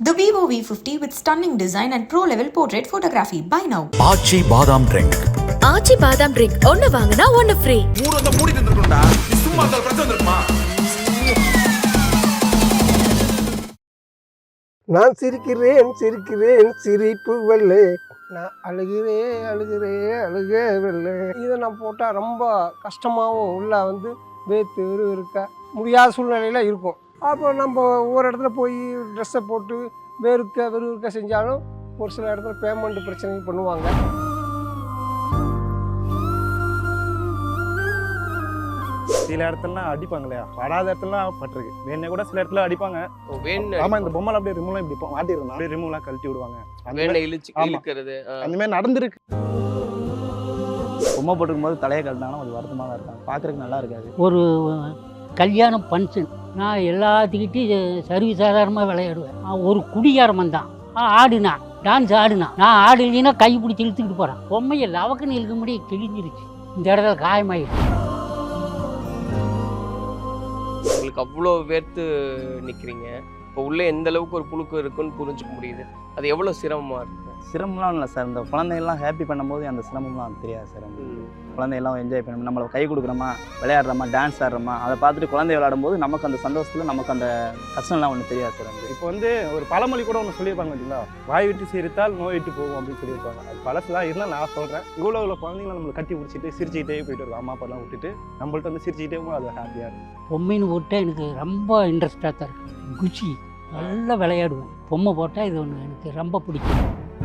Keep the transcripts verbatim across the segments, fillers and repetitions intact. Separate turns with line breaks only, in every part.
The Vivo V fifty with stunning design and pro-level portrait photography. Buy now.
ஆச்சி பாதாம் drink.
ஆச்சி பாதாம் drink ஒன்னு வாங்குனா ஒன்னு ஃப்ரீ.
மூணு வந்து மூடி தந்துட்டோம்டா. நீ சும்மா அந்த பிரச்சனை வந்துருமா?
நான் சிரிக்கிறேன் சிரிக்கிறேன் சிரிப்பு வெள்ளை, நான் அழுகிறேன் அழுகிறேன் அழுக வெள்ளை. இதை நான் போட்டால் ரொம்ப கஷ்டமாகவும் உள்ள வந்து வேத்து வெறு இருக்க முடியாத சூழ்நிலையில் இருக்கும். அப்போ நம்ம ஒவ்வொரு இடத்துல போய் ட்ரெஸ்ஸை போட்டு வெறுக்க வெறுக்க செஞ்சாலும் ஒரு சில இடத்துல பேமெண்ட் பிரச்சனை பண்ணுவாங்க.
சில இடத்துலலாம் அடிப்பாங்க இல்லையா, படாத இடத்துலலாம் பட்டிருக்கு. வேணே கூட சில இடத்துல அடிப்பாங்க. ஆமா, இந்த பொம்மை அப்படியே ரிமூவ்லாம் இப்படி மாட்டிருந்தா அப்படியே ரிமூவ்லாம் கழட்டி விடுவாங்க.
வேணை இழுச்சு இழுக்கிறது
அந்த மாதிரி நடந்துருக்கு.
பொம்மை போட்டுக்கும் போது தலையை கழட்டினாலும் அது வருத்தமாக தான் இருக்காங்க, பார்க்குறதுக்கு நல்லா இருக்காது.
ஒரு கல்யாணம் ஃபங்க்ஷன், நான் எல்லாத்துக்கிட்டையும் சர்வீ சாதாரணமாக விளையாடுவேன். ஒரு குடிகாரம் வந்தான், ஆடுனா டான்ஸ் ஆடுனா, நான் ஆடுனா கை பிடிச்சி இழுத்துக்கிட்டு போகிறேன். பொம்மையை லவக்குன்னு இழுக்க முடிய கிழிஞ்சிருச்சு, இந்த இடத்துல காயமாயிடுச்சு.
உங்களுக்கு அவ்வளோ வேர்த்து நிற்கிறீங்க, இப்போ உள்ளே எந்த அளவுக்கு ஒரு புழுக்கு இருக்குன்னு புரிஞ்சுக்க முடியுது. அது எவ்வளோ சிரமமாக இருக்குது?
சிரமம்லாம் இல்லை சார், இந்த குழந்தைகள்லாம் ஹாப்பி பண்ணும்போது அந்த சிரமம்லாம் தெரியாது சார். குழந்தையெல்லாம் என்ஜாய் பண்ணணும், நம்மளை கை கொடுக்குறோமா, விளையாடுறோமா, டான்ஸ் ஆடுறோமா, அதை பார்த்துட்டு குழந்தை விளையாடும் போது நமக்கு அந்த சந்தோஷத்தில் நமக்கு அந்த கஷ்டம்லாம் ஒன்றும் தெரியாது சார். வந்து
இப்போ வந்து ஒரு பழமொழி கூட ஒன்று சொல்லியிருப்பாங்க பார்த்தீங்களா, வாய் விட்டு சிரித்தால் நோய் விட்டு போகும் அப்படின்னு சொல்லியிருப்பாங்க. அது பழசுலாம் இருந்தால் நான் சொல்கிறேன், இவ்வளோ இவ்வளோ குழந்தைங்களை நம்மளை கட்டி பிடிச்சிட்டு சிரிச்சுக்கிட்டே போயிட்டு இருக்கோம். அம்மா அப்பாலாம் விட்டுட்டு நம்மள்ட்ட வந்து சிரிச்சுக்கிட்டே போகும், அது ஹாப்பியாக இருக்கும்.
பொம்மைன்னு போட்டால் எனக்கு ரொம்ப இன்ட்ரெஸ்டாக தான் இருக்குது, குச்சி நல்லா விளையாடுவேன். பொம்மை போட்டால் இது ஒன்று எனக்கு ரொம்ப பிடிக்கும்.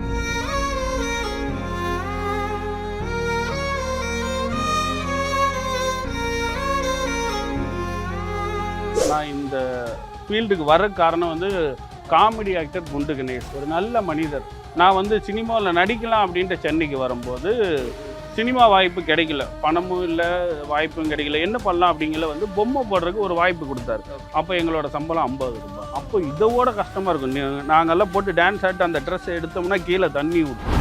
நான் இந்த ஃபீல்டுக்கு வர காரணம் வந்து காமெடி ஆக்டர் குண்டு கணேஷ், ஒரு நல்ல மனிதர். நான் வந்து சினிமாவில் நடிக்கலாம் அப்படின்ட்டு சென்னைக்கு வரும்போது சினிமா வாய்ப்பு கிடைக்கல, பணமும் இல்லை, வாய்ப்பும் கிடைக்கல. என்ன பண்ணலாம் அப்படிங்கிற வந்து பொம்மை போடுறதுக்கு ஒரு வாய்ப்பு கொடுத்தாரு. அப்போ எங்களோட சம்பளம் ஐம்பது ரூபாய். அப்போ இதோட கஷ்டமாக இருக்கும். நாங்கள்லாம் போட்டு டான்ஸ் ஆட்டு அந்த ட்ரெஸ் எடுத்தோம்னா கீழே தண்ணி ஊற்றும்.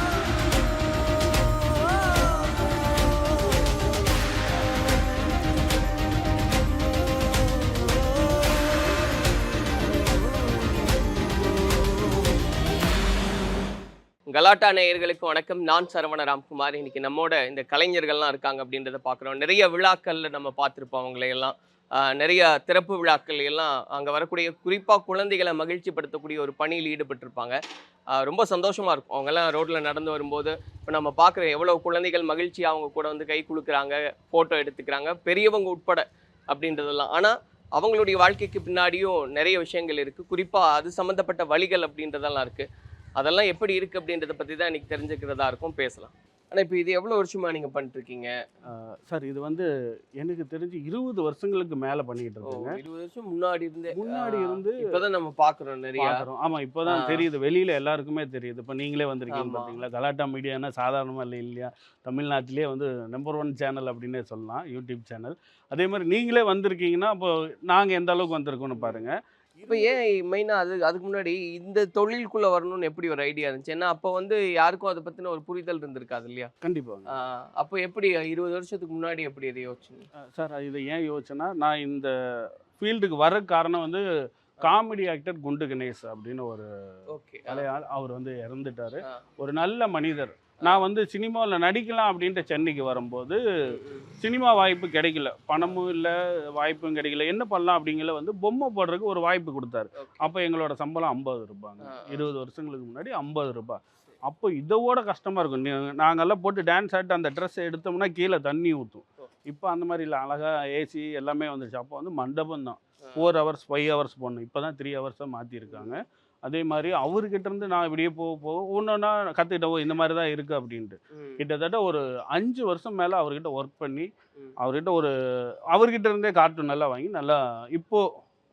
கலாட்டா நேயர்களுக்கு வணக்கம். நான் சரவண ராம்குமார். இன்னைக்கு நம்மோட இந்த கலைஞர்கள்லாம் இருக்காங்க அப்படின்றத பார்க்குறோம். நிறைய விழாக்களில் நம்ம பார்த்துருப்போம் அவங்களையெல்லாம், நிறைய திறப்பு விழாக்கள் எல்லாம் அங்கே வரக்கூடிய குறிப்பாக குழந்தைகளை மகிழ்ச்சிப்படுத்தக்கூடிய ஒரு பணியில் ஈடுபட்டிருப்பாங்க. ரொம்ப சந்தோஷமாக இருக்கும். அவங்கெல்லாம் ரோட்டில் நடந்து வரும்போது இப்போ நம்ம பார்க்குற எவ்வளோ குழந்தைகள் மகிழ்ச்சியாக அவங்க கூட வந்து கை குலுக்குறாங்க, ஃபோட்டோ எடுத்துக்கிறாங்க, பெரியவங்க உட்பட அப்படின்றதெல்லாம். ஆனால் அவங்களுடைய வாழ்க்கைக்கு பின்னாடியும் நிறைய விஷயங்கள் இருக்குது, குறிப்பாக அது சம்மந்தப்பட்ட வழிகள் அப்படின்றதெல்லாம் இருக்குது. அதெல்லாம் எப்படி இருக்குது அப்படின்றத பற்றி தான் இன்றைக்கி தெரிஞ்சுக்கிறதா இருக்கும், பேசலாம். ஆனால் இப்போ இது எவ்வளோ வருஷமாக நீங்கள் பண்ணிட்டுருக்கீங்க
சார்? இது வந்து எனக்கு தெரிஞ்சு இருபது வருஷங்களுக்கு மேலே பண்ணிக்கிட்டு இருக்கோங்க.
இருபது வருஷம் முன்னாடி இருந்தே
முன்னாடி இருந்து
இப்போ தான் நம்ம பார்க்குறோம், நிறைய
பார்க்குறோம். ஆமாம், இப்போ தான் தெரியுது, வெளியில் எல்லாருக்குமே தெரியுது. இப்போ நீங்களே வந்திருக்கீங்க பார்த்தீங்களா, கலாட்டா மீடியானா சாதாரணமாக இல்லை இல்லையா, தமிழ்நாட்டிலே வந்து நம்பர் ஒன் சேனல் அப்படின்னே சொல்லலாம், யூடியூப் சேனல். அதே மாதிரி நீங்களே வந்திருக்கீங்கன்னா அப்போ நாங்கள் எந்த அளவுக்கு வந்திருக்கோன்னு பாருங்கள்.
இப்போ ஏன் மெயினாக அது அதுக்கு முன்னாடி இந்த தொழிலுக்குள்ளே வரணும்னு எப்படி ஒரு ஐடியா இருந்துச்சு? ஏன்னா அப்போ வந்து யாருக்கும் அதை பற்றின ஒரு புரிதல் இருந்திருக்காது இல்லையா?
கண்டிப்பாக.
அப்போ எப்படி இருபது வருஷத்துக்கு முன்னாடி எப்படி எதை யோசிச்சுங்க
சார்? இதை ஏன் யோசிச்சேன்னா, நான் இந்த ஃபீல்டுக்கு வர காரணம் வந்து காமெடி ஆக்டர் குண்டு கணேஷ் அப்படின்னு ஒரு ஆள், அவர் வந்து இறந்துட்டார். ஒரு நல்ல மனிதர். நான் வந்து சினிமாவில் நடிக்கலாம் அப்படின்ட்டு சென்னைக்கு வரும்போது சினிமா வாய்ப்பு கிடைக்கல, பணமும் இல்லை, வாய்ப்பும் கிடைக்கல. என்ன பண்ணலாம் அப்படிங்கிற வந்து பொம்மை போடுறதுக்கு ஒரு வாய்ப்பு கொடுத்தாரு. அப்போ எங்களோட சம்பளம் ஐம்பது ரூபாங்க, இருபது வருஷங்களுக்கு முன்னாடி ஐம்பது ரூபாய். அப்போ இதோட கஷ்டமாக இருக்கும். நாங்கள்லாம் போட்டு டான்ஸ் ஆட்டு அந்த ட்ரெஸ் எடுத்தோம்னா கீழே தண்ணி ஊற்றும். இப்போ அந்த மாதிரி இல்லை, அழகாக ஏசி எல்லாமே வந்துடுச்சு. அப்போ வந்து மண்டபம் தான், ஃபோர் ஹவர்ஸ் ஃபைவ் ஹவர்ஸ் போடணும். இப்போ தான் த்ரீ ஹவர்ஸாக மாற்றிருக்காங்க. அதே மாதிரி அவர்கிட்ட இருந்து நான் இப்படியே போக போக ஒன்றா கற்றுக்கிட்டவோ இந்த மாதிரி தான் இருக்குது அப்படின்ட்டு. கிட்டத்தட்ட ஒரு அஞ்சு வருஷம் மேலே அவர்கிட்ட ஒர்க் பண்ணி அவர்கிட்ட ஒரு அவர்கிட்ட இருந்தே கார்ட்டூன் நல்லா வாங்கி நல்லா இப்போது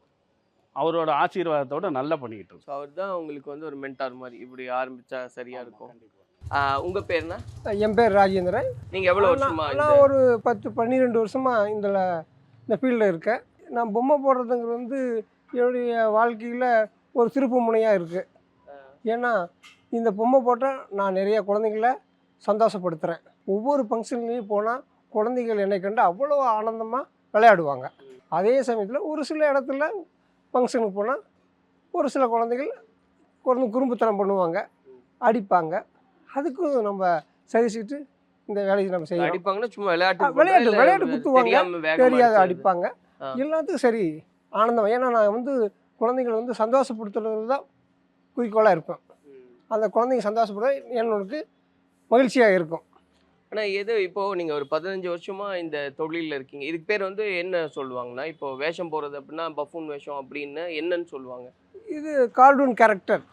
அவரோட ஆசீர்வாதத்தோட நல்லா பண்ணிக்கிட்டு இருக்கோம்.
அவர் தான் உங்களுக்கு வந்து ஒரு மென்டார் மாதிரி, இப்படி ஆரம்பித்தா சரியாக இருக்கும். உங்கள் பேர்னா?
என் பேர் ராஜேந்திரன்.
நீங்கள் எவ்வளோ வருஷமா?
நான் ஒரு பத்து பன்னிரெண்டு வருஷமாக இந்த இந்த ஃபீல்டில் இருக்கேன். நான் பொம்மை போடுறதுங்கிறது வந்து என்னுடைய வாழ்க்கையில் ஒரு திருப்பு முனையாக இருக்குது. ஏன்னா இந்த பொம்மை போட்டால் நான் நிறைய குழந்தைங்கள சந்தோஷப்படுத்துகிறேன். ஒவ்வொரு ஃபங்க்ஷன்லேயும் போனால் குழந்தைகள் என்னை கண்டு அவ்வளோ ஆனந்தமாக விளையாடுவாங்க. அதே சமயத்தில் ஒரு சில இடத்துல ஃபங்க்ஷனுக்கு போனால் ஒரு சில குழந்தைகள் கொஞ்சம் குறும்புத்தனம் பண்ணுவாங்க, அடிப்பாங்க. அதுக்கும் நம்ம சகிச்சுட்டு இந்த வேலையை நம்ம செய்யணும்.
அடிப்பாங்கன்னா சும்மா விளையாட்டு
விளையாட்டு விளையாட்டு குத்துவாங்க, தெரியாது
அடிப்பாங்க.
அடிப்பாங்க. எல்லாத்துக்கும் சரி ஆனந்தம். ஏன்னா நான் வந்து குழந்தைங்களை வந்து சந்தோஷப்படுத்துறது தான் குறிக்கோளாக இருப்பேன். அந்த குழந்தைங்க சந்தோஷப்பட என்னோடக்கு மகிழ்ச்சியாக இருக்கும்.
ஆனா எது இப்போ நீங்க ஒரு பதினஞ்சு வருஷமா இந்த தொழிலில் இருக்கீங்க, இதுக்கு பேர் வந்து என்ன சொல்லுவாங்கன்னா, இப்போ வேஷம் போறது அப்படின்னா பஃபூன் வேஷம் அப்படின்னு என்னன்னு சொல்லுவாங்க? இது
கார்ட்டூன் கேரக்டர்.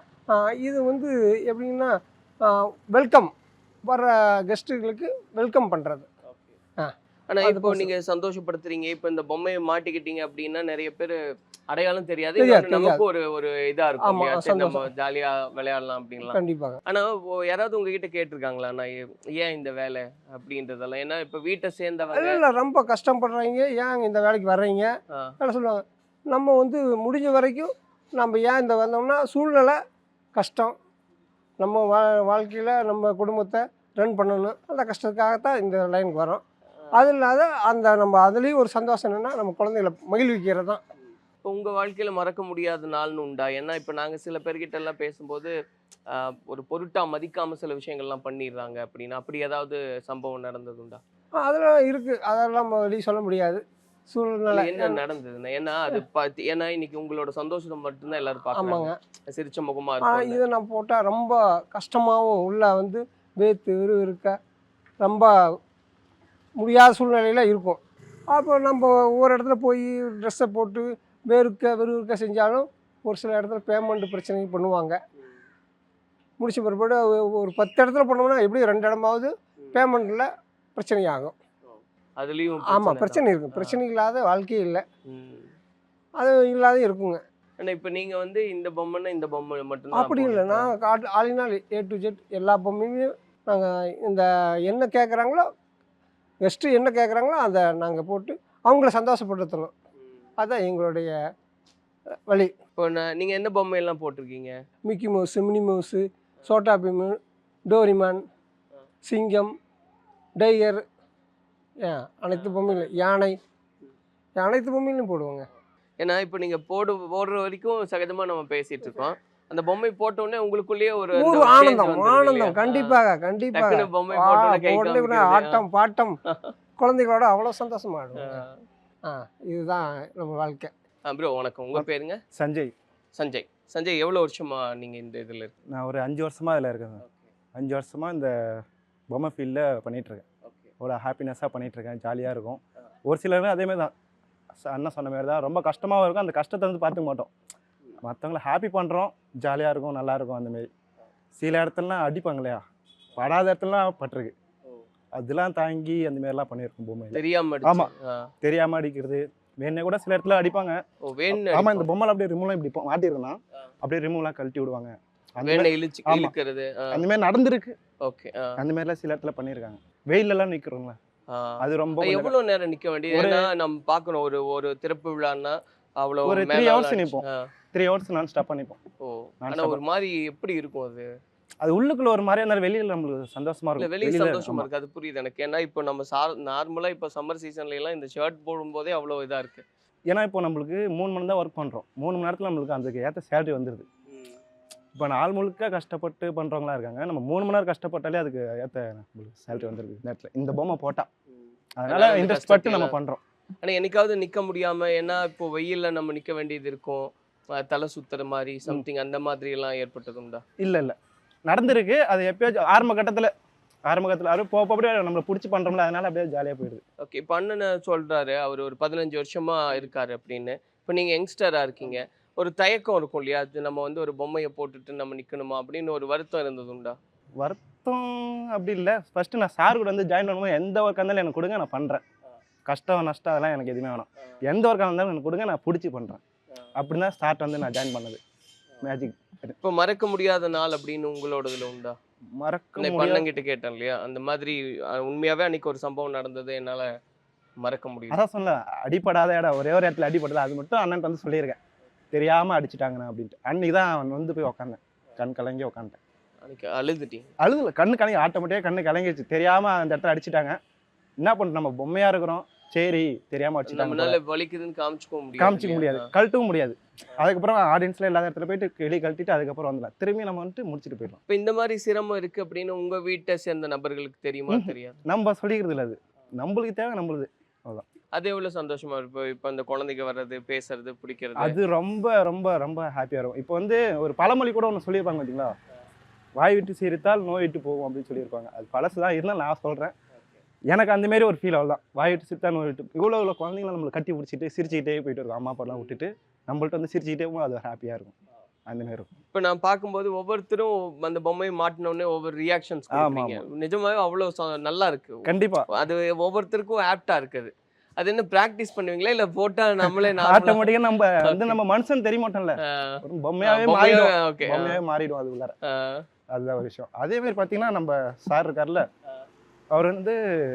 இது வந்து எப்படின்னா வெல்கம் வர கெஸ்ட்டுகளுக்கு வெல்கம் பண்ணுறது.
ஆனா இப்போ நீங்க சந்தோஷப்படுத்துறீங்க, இப்போ இந்த பொம்மையை மாட்டிக்கிட்டீங்க அப்படின்னா நிறைய பேர் அடையாளம் தெரியாது,
தெரியாது,
நமக்கு ஒரு ஒரு இதா இருக்கும்
ஆமா,
இல்லையா? சரி, நம்ம
சந்தோஷம்.
ஜாலியா விளையாடலாம் அப்படின்லாம்.
கண்டிப்பாக.
ஆனா ஓ- யாராவது உங்ககிட்ட கேட்டிருக்காங்களா, நான் ஏ- ஏன் இந்த வேலை அப்படின்றதெல்லாம்? ஏன்னா இப்போ வீட்டை சேர்ந்தவங்க
இல்லை இல்லை ரொம்ப கஷ்டப்படுறீங்க, ஏன் இந்த வேலைக்கு வர்றீங்க
ஆ,
என்ன சொல்லுவாங்க. நம்ம வந்து முடிஞ்ச வரைக்கும் நம்ம ஏன் இந்த வந்தோம்னா சூழ்நிலை கஷ்டம், நம்ம வா வாழ்க்கையில் நம்ம குடும்பத்தை ரன் பண்ணணும், அந்த கஷ்டத்துக்காகத்தான் இந்த லைனுக்கு வரோம். அது இல்லாத அந்த நம்ம அதுலேயும் ஒரு சந்தோஷம் என்னென்னா நம்ம குழந்தைகளை மகிழ்விக்கிறது தான்.
இப்போ உங்க வாழ்க்கையில மறக்க முடியாத நாள்னு உண்டா? ஏன்னா இப்போ நாங்க சில பேர்கிட்ட எல்லாம் பேசும்போது ஆஹ், ஒரு பொருட்டா மதிக்காம சில விஷயங்கள்லாம் பண்ணிடுறாங்க அப்படின்னு, அப்படி ஏதாவது சம்பவம் நடந்தது உண்டா?
அதெல்லாம் இருக்குது, அதெல்லாம் நம்ம வெளியே சொல்ல முடியாது சூழ்நிலை.
இல்ல, என்ன நடந்ததுன்னா? ஏன்னா அது பார்த்து, ஏன்னா இன்னைக்கு உங்களோட சந்தோஷத்தை மட்டும்தான் எல்லாரும் பார்க்குறாங்க,
ஆமாங்க.
சிரிச்ச முகமா
ஆனால்
இருக்கும்.
இதை நான் போட்டால் ரொம்ப கஷ்டமாகவும் உள்ள வந்து வேத்து விறு இருக்க ரொம்ப முடியாத சூழ்நிலையில் இருக்கும். அப்போ நம்ம ஒவ்வொரு இடத்துல போய் ட்ரெஸ்ஸை போட்டு வேர்க்க விறுவிறுக்க செஞ்சாலும் ஒரு சில இடத்துல பேமெண்ட் பிரச்சனை பண்ணுவாங்க. முடிச்ச பிற்பாடு ஒ- ஒரு பத்து இடத்துல பண்ணோம்னா எப்படியும் ரெண்டு இடமாவது பேமெண்ட்டில் பிரச்சனையாகும்.
அதுலயும்
ஆமாம்,
பிரச்சனை
பிரச்சனை
தான்.
இருக்குது. பிரச்சனை இல்லாத வாழ்க்கையே இல்லை,
ம்.
அது இல்லாத இருக்குங்க.
ஆனா இப்போ நீங்க வந்து இந்த பொம்மைன்னா இந்த பொம்மை மட்டும்தான்
அப்படி இல்லை,
போடுறீங்களா?
நான் காட்டு ஆளினால் ஏ டு ஜெட் எல்லா பொம்மையுமே நாங்கள் இந்த என்ன கேட்குறாங்களோ, கெஸ்ட்டு என்ன கேட்குறாங்களோ அதை நாங்கள் போட்டு அவங்கள சந்தோஷப்படுத்தணும்.
ம்.
அதுதான் எங்களுடைய வழி.
இப்போ நான் நீங்க என்ன பொம்மை எல்லாம் போட்டிருக்கீங்க?
Mickey Mouse, Minnie Mouse, Chhota Bheem, Doraemon, சிங்கம், டைகர், ஏன் அனைத்து பொம்மையிலும் யானை, அனைத்து பொம்மையிலும் போடுவோங்க.
ஏன்னா இப்போ நீங்க போடு போடுற வரைக்கும் சகஜமா நம்ம பேசிட்டு இருக்கோம், அந்த பொம்மை போட்ட உடனே உங்களுக்குள்ளேயே ஒரு அந்த
ஒரு
ஒரு change
ஆனந்தம்
வந்துருது
ஆனந்தம்
இல்லையா?
கண்டிப்பாக கண்டிப்பாக.
டக்குனு பொம்மை
ஆ,
போட்ட உடனே கை
உடனே உடனே
காமிக்கிறது.
ஆட்டம் பாட்டம் குழந்தைகளோட அவ்வளோ சந்தோஷமா ஆடுவோங்க.
ஆ.
ஆ, இதுதான் நம்ம வாழ்க்கை.
ஆ ப்ரோ வணக்கம், உங்க பேருங்க?
சஞ்சய்.
சஞ்சய். சஞ்சய், எவ்வளவு வருஷமா நீங்க இந்த இதுல இருக்கு?
நான் ஒரு அஞ்சு வருஷமாக இதில் இருக்கேன். அஞ்சு வருஷமாக இந்த பொம்மை ஃபீல்டில் பண்ணிகிட்ருக்கேன். அவ்வளோ ஹாப்பினஸ்ஸாக பண்ணிகிட்ருக்கேன், ஜாலியாக இருக்கும். ஒரு சிலர் அதேமாதிரி தான், ச- அண்ணன் சொன்ன மாதிரி தான், ரொம்ப கஷ்டமாகவும் இருக்கும். அந்த கஷ்டத்தை வந்து பார்த்துக்க மாட்டோம், மற்றவங்கள ஹாப்பி பண்ணுறோம், ஜாலியாக இருக்கும், நல்லாயிருக்கும். அந்தமாரி சில இடத்துலலாம் அடிப்பாங்க இல்லையா, படாத இடத்துலலாம் பட்டிருக்கு, அதெல்லாம் தாங்கி அந்தமாரிலாம் பண்ணியிருக்கோம் பொம்மையில்.
தெரியாம அடிச்சு.
ஆமா.
ஆ.
தெரியாமல் அடிக்கிறது, வேணே கூட சில இடத்துல அடிப்பாங்க.
ஓ, வேணு
ஆமாம், இந்த பொம்மைலாம் அப்படியே ரிமூவ்லாம் இப்படி போ- மாட்டிருக்கலாம், அப்படியே ரிமூவ்லாம் கழட்டி விடுவாங்க. அந்த
வேணை
மாதிரி-
இழுச்சு
ஆமா.
இழுக்கிறது.
அந்த மாதிரி நடந்திருக்கு.
ஓகே.
அந்த மாதிரிலாம் சில இடத்துல பண்ணியிருக்காங்க. வெயிலெல்லாம் நிற்கிறோங்களா, அது ரொம்ப கொஞ்சம்
எவ்வளவு நேரம் நிக்க வேண்டியது?
ஒரு-
ஏன்னா நம்ம பார்க்கணும், ஒரு ஒரு திறப்பு விழான்னா அவ்வளவு
ஒரு
மேல
த்ரீ ஹவர்ஸ்
அடிச்சு-
நிற்போம்.
ஆ.
த்ரீ ஹவர்ஸ் நான் ஸ்டாப் பண்ணிப்போம்.
ஓ,
நான்
ஆனா ஒரு மாதிரி எப்படி இருக்கும் அது?
அது உள்ளுக்குள்ள ஒரு மாதிரியா இருந்தாலும் வெளியில நம்மளுக்கு சந்தோஷமா
இல்ல,
இருக்கும்.
வெளியே
வெளியில
சந்தோஷமா
ஆமா.
இருக்கு, அது புரியுது எனக்கு. ஏன்னா இப்போ நம்ம சா நார்மலா இப்போ சம்மர் சீசன்ல எல்லாம் இந்த ஷர்ட் போடும்போதே அவ்வளவு இதா இருக்கு.
ஏன்னா இப்போ நம்மளுக்கு மூணு மணி தான் ஒர்க் பண்றோம், மூணு மணி நேரத்துல நம்மளுக்கு அதுக்கு ஏற்ற சேலரி வந்துடுது. இப்போ நாள் முழுக்க கஷ்டப்பட்டு பண்றவங்களா இருக்காங்க, நம்ம மூணு மணி நேரம் கஷ்டப்பட்டாலே அதுக்கு ஏற்ற நம்மளுக்கு சேலரி வந்துருது இந்த நேரத்துல, இந்த பொம்மை போட்டா. அதனால
அதனால இந்த
இன்ட்ரெஸ்ட் பட்டு
கஷ்டத்தை
நம்ம பண்றோம்.
ஆனா என்னைக்காவது நிக்க முடியாம, ஏன்னா இப்போ வெயில்ல நம்ம நிக்க வேண்டியது இருக்கும், அஹ் தலை சுத்துற மாதிரி சம்திங் அந்த மாதிரி எல்லாம் ஏற்பட்டது உண்டா?
இல்ல இல்ல நடந்திருக்கு, அது எப்பயாச்சும் ஆரம்ப கட்டத்துல ஆரம்ப கட்டத்துல அது போக அப்படியே நம்மளை பிடிச்சி பண்றோம்ல, அதனால அப்படியே ஜாலியா போயிடுது.
ஓகே. இப்போ அண்ணன் சொல்றாரு அவர் ஒரு பதினஞ்சு வருஷமா இருக்காரு அப்படின்னு. இப்போ நீங்க யங்ஸ்டரா இருக்கீங்க, ஒரு தயக்கம் இருக்கும் இல்லையா, அது நம்ம வந்து ஒரு பொம்மையை போட்டுட்டு நம்ம நிக்கணுமா அப்படின்னு ஒரு வருத்தம் இருந்தது உண்டா?
வருத்தம் அப்படி இல்லை. ஃபர்ஸ்ட் நான் சார் கூட வந்து ஜாயின் பண்ணும்போது எந்த ஒர்க்காக இருந்தாலும் எனக்கு கொடுங்க, நான் பண்றேன். கஷ்டம் நஷ்டம் அதெல்லாம் எனக்கு எதுவுமே வேணாம், எந்த ஒர்க்காக இருந்தாலும் எனக்கு கொடுங்க, நான் பிடிச்சி பண்றேன். அப்படின்னு தான் ஸ்டார்ட் வந்து நான் ஜாயின் பண்ணது மேஜிக்.
இப்போ மறக்க முடியாத நாள் அப்படின்னு உங்களோடதுல உண்டா?
மறக்க
இந்த
முடியாது.
அண்ணன் கிட்ட கேட்டேன் இல்லையா, அந்த மாதிரி அஹ், உண்மையாவே அன்னைக்கு ஒரு சம்பவம் நடந்தது என்னால மறக்க முடியும்.
அதான் சொன்ன அடிப்படாத இடம் ஒரே ஒரு இடத்துல அடிப்பட்டது, அது மட்டும் அண்ணன் வந்து சொல்லியிருக்கேன், தெரியாம அடிச்சுட்டாங்கண்ணா அப்படின்ட்டு. அன்னைக்கு தான் அவன் வந்து போய் உட்காந்தேன், கண் கலங்கி உட்காந்துட்டேன்.
அன்னைக்கு அழுதுட்டீங்க?
அழுதுல, கண்ணு கலங்கி, ஆட்டோமேட்டிக்காக கண்ணு கலங்கிடுச்சு, தெரியாம அந்த இடத்துல அடிச்சுட்டாங்க. என்ன பண்ணுறோம், நம்ம பொம்மையா இருக்கிறோம், சரி தெரியாமல் வச்சுட்டாங்க போல.
நம்மளால வலிக்குதுன்னு காமிச்சுக்க முடியாது
காமிச்சிக்க
இல்லையா?
முடியாது, கழட்டவும் முடியாது. அதுக்கப்புறம் ஆடியன்ஸ்ல இல்லாத இடத்துல போயிட்டு வெளியே கழட்டிட்டு அதுக்கப்புறம் வந்துடலாம், திரும்பி நம்ம வந்துட்டு முடிச்சுட்டு போயிடலாம்.
இப்ப இந்த மாதிரி சிரமம் இருக்கு அப்படின்னு உங்க வீட்டை சேர்ந்த நபர்களுக்கு தெரியுமா
ம்ஹும்.
தெரியாது?
நம்ம சொல்லிக்கிறது இல்லை, அது நம்மளுக்கு தேவை நம்மளுது.
அது எவ்வளவு சந்தோஷமா இருக்கும் இப்ப இந்த குழந்தைங்க வர்றது, பேசுறது, பிடிக்கிறது?
அது ரொம்ப ரொம்ப ரொம்ப ஹாப்பியாக இருக்கும். இப்போ வந்து ஒரு பழமொழி கூட ஒன்று சொல்லியிருப்பாங்க பார்த்தீங்களா, வாய் விட்டு சிரித்தால் நோய் விட்டு போகும் அப்படின்னு சொல்லியிருப்பாங்க. அது பழசு தான் இருந்தால் நான் சொல்கிறேன், எனக்கு அந்த மாதிரி ஒரு ஃபீல் அவ்வளோதான். வாய் விட்டு சிரித்தா நோய் விட்டு, இவ்வளோ இவ்வளோ குழந்தைங்கள நம்மளை கட்டி பிடிச்சிட்டு சிரிச்சுக்கிட்டே போயிட்டு இருக்கோம். அம்மா அப்பாலாம் விட்டுட்டு நம்மள்ட்ட வந்து சிரிச்சுக்கிட்டே போகும், அது ஹாப்பியாக இருக்கும். அந்த மாதிரி இருக்கும்.
இப்ப நான் பார்க்கும்போது ஒவ்வொருத்தரும் அந்த பொம்மையை மாட்டின உடனே ஒவ்வொரு ரியாக்ஷன்ஸ் கொடுக்குறீங்க. நிஜமாவே அவ்வளவு ச- நல்லா இருக்கு.
கண்டிப்பாக
அது ஒவ்வொருத்தருக்கும் ஆப்டா இருக்குது. அது என்ன பிராக்டிஸ் பண்ணுவீங்களா இல்ல போட்டா நம்மளே நார்மலா
ஆட்டோமேட்டிக்காக நம்ம வந்து நம்ம மனுஷன் தெரிய மாட்டோம்ல, ஒரு பொம்மையாவே
பொம்மையா-
மாறிடும்.
okay.
பொம்மையாவே மாறிடும் அது உள்ளார.
ஆ,
அதுதான் ஒரு விஷயம். அதே மாதிரி பார்த்தீங்கன்னா நம்ம சார் இருக்கார்ல, அவர் வந்து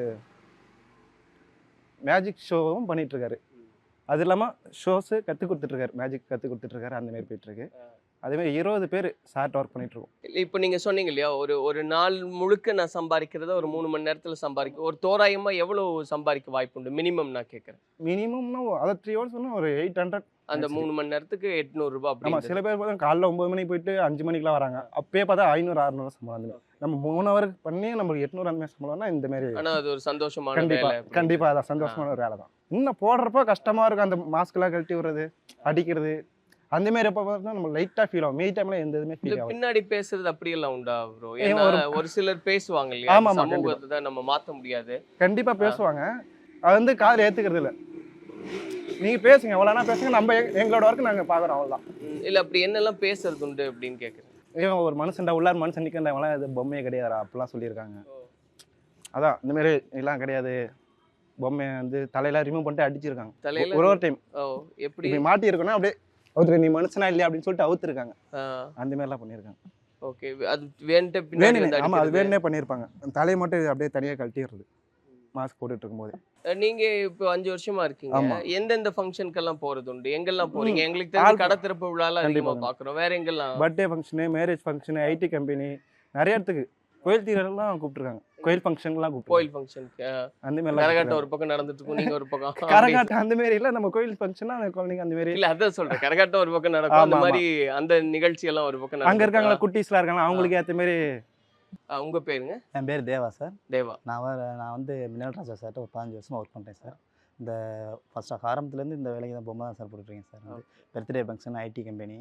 மேஜிக் ஷோவும் பண்ணிட்டு இருக்காரு. அது இல்லாமல் ஷோஸு கற்றுக் கொடுத்துட்ருக்காரு, மேஜிக் கற்றுக் கொடுத்துட்ருக்காரு. அந்த மாதிரி போயிட்டுருக்கு. அதேமாதிரி இருபது பேர் சார்ட் ஒர்க் பண்ணிட்டு இருக்கோம்.
இல்ல இப்ப நீங்க சொன்னீங்க இல்லையா, ஒரு ஒரு நாள் முழுக்க நான் சம்பாதிக்கிறத ஒரு மூணு மணி நேரத்துல சம்பாதிக்க, ஒரு தோராயமா எவ்வளவு சம்பாதிக்க வாய்ப்பு உண்டு மினிமம் நான் கேட்கறேன்?
மினிமம்னா அதை த்ரீ ஹவர்ஸ் சொன்னால் ஒரு எயிட் ஹண்ட்ரட்.
அந்த மூணு மணி நேரத்துக்கு எட்நூறு ரூபாய்
ஆமாம்,
அப்படி.
சில பேர் பார்த்தா காலைல ஒம்பது மணிக்கு போயிட்டு அஞ்சு மணிக்கெலாம் வராங்க. அப்பயே பார்த்தா ஐநூறு அறுநூறு சம்பளம். அந்த மாதிரி நம்ம மூணு ஹவருக்கு பண்ணி நம்மளுக்கு எட்நூறு அந்த மாதிரி சம்பளம்னா இந்த மாதிரி.
ஆனா அது ஒரு சந்தோஷமான
கண்டிப்பா
வேலை அப்படி.
கண்டிப்பா அதான் சந்தோஷமான ஒரு வேலை தான். இன்னும் போடுறப்போ கஷ்டமா இருக்கும், அந்த மாஸ்க்லாம் கழட்டி விடுறது, அடிக்கிறது, அந்த மாதிரி எப்போ பார்த்தா நம்ம லைட்டாக ஃபீல் ஆகும். மெய் டைம்ல எந்த இதுவுமே
இல்ல
ஃபீல் ஆகும்.
பின்னாடி பேசுறது அப்படியெல்லாம் உண்டா ப்ரோ?
ஏன்
ஏன்னா
ஒரு-
ஒரு சிலர் பேசுவாங்க இல்லையா,
ஆமா,
இந்த
ஆமா,
சமூகத்தை தான் நம்ம மாத்த முடியாது.
கண்டிப்பா பேசுவாங்க, அது வந்து காதில் ஏத்துக்கிறது இல்லை. நீங்க பேசுங்க, எவ்வளோனா பேசுங்க, நம்ம எங்க- எங்களோட ஒர்க் நாங்கள் பார்க்குறோம், அவ்வளோதான்.
ம், இல்ல அப்படி என்னெல்லாம் பேசுறது உண்டு அப்படின்னு கேட்குறேன்.
ஏன் ஒரு மனுஷன்டா உள்ளார் மனுஷன் நிற்கிறவங்களாம் இது பொம்மையே கிடையாதா அப்படிலாம் சொல்லியிருக்காங்க. அதான் இந்த மாதிரி எல்லாம் கிடையாது, பொம்மையை வந்து தலையில ரிமூவ் பண்ணிட்டு அடிச்சிருக்காங்க
தலையில
ஒரு ஒரு டைம்.
ஓ எப்படி?
இப்படி மாட்டி இருக்கணும், அப்படியே அவுத்துரு, நீ மனுஷனா இல்லையா அப்படின்னு சொல்லிட்டு அவுத்துருக்காங்க.
ஆ,
அந்த மாதிரிலாம் பண்ணியிருக்காங்க.
ஓகே. அது வேண்ட பின்னாடி
வேணுனே,
வந்து
ஆமா, அது
அடிக்கிறது.
வேணுனே பண்ணியிருப்பாங்க. தலையை மட்டும் அப்படியே தனியாக கழட்டிடுறது மாஸ்க் போட்டுட்டு இருக்கும்போது.
அஹ் நீங்க இப்போ அஞ்சு வருஷமா இருக்கீங்க.
ஆமா.
எந்தெந்த ஃபங்க்ஷனுக்கெல்லாம் போறது உண்டு? எங்கெல்லாம் போறீங்க?
ம்.
எங்களுக்கு தெரிஞ்ச
ஆல்
கடை திறப்பு விழாலாம் அதிகமா
கண்டிப்பா.
பாக்குறோம். வேற எங்கெல்லாம்?
Birthday function, marriage function, IT company, நிறைய இடத்துக்கு, கோயில் தீரெல்லாம் கூப்பிட்டுருக்காங்க, கோயில் ஃபங்க்ஷன்லாம் கூப்பிட்டு
கோயில் ஃபங்க்ஷனுக்கு
அந்த
கரகாட்டம்
மாதிரிலாம்
ஒரு பக்கம் நடந்துட்டு இருக்கும், நீங்க ஒரு பக்கம் அப்படி.
கரகாட்டம் அந்த மாதிரி இல்லை, நம்ம கோயில் ஃபங்க்ஷனா அந்த குழந்தைங்க அந்த மாதிரி.
இல்ல அதான் சொல்றேன், கரகாட்டம் ஒரு பக்கம் நடக்கும், அந்த
ஆமா,
மாதிரி அந்த நிகழ்ச்சி எல்லாம் ஒரு பக்கம்
அங்கே
நடக்கும்.
இருக்காங்களா குட்டீஸ்லாம் இருக்காங்க, அவங்களுக்கு ஏற்ற மாதிரி.
உங்க பேருங்க?
என் பேர் தேவா சார்.
தேவா.
நான் வர நான் வந்து மினல் ராஜா சார்ட்ட ஒரு பதினஞ்சு வருஷமாக ஒர்க் பண்ணுறேன் சார். இந்த ஃபஸ்ட் ஆரம்பத்துலேருந்து இந்த வேலைக்கு தான் பொம்மை தான் சார் போட்டுட்ருக்கேன் சார். வந்து birthday function, IT company,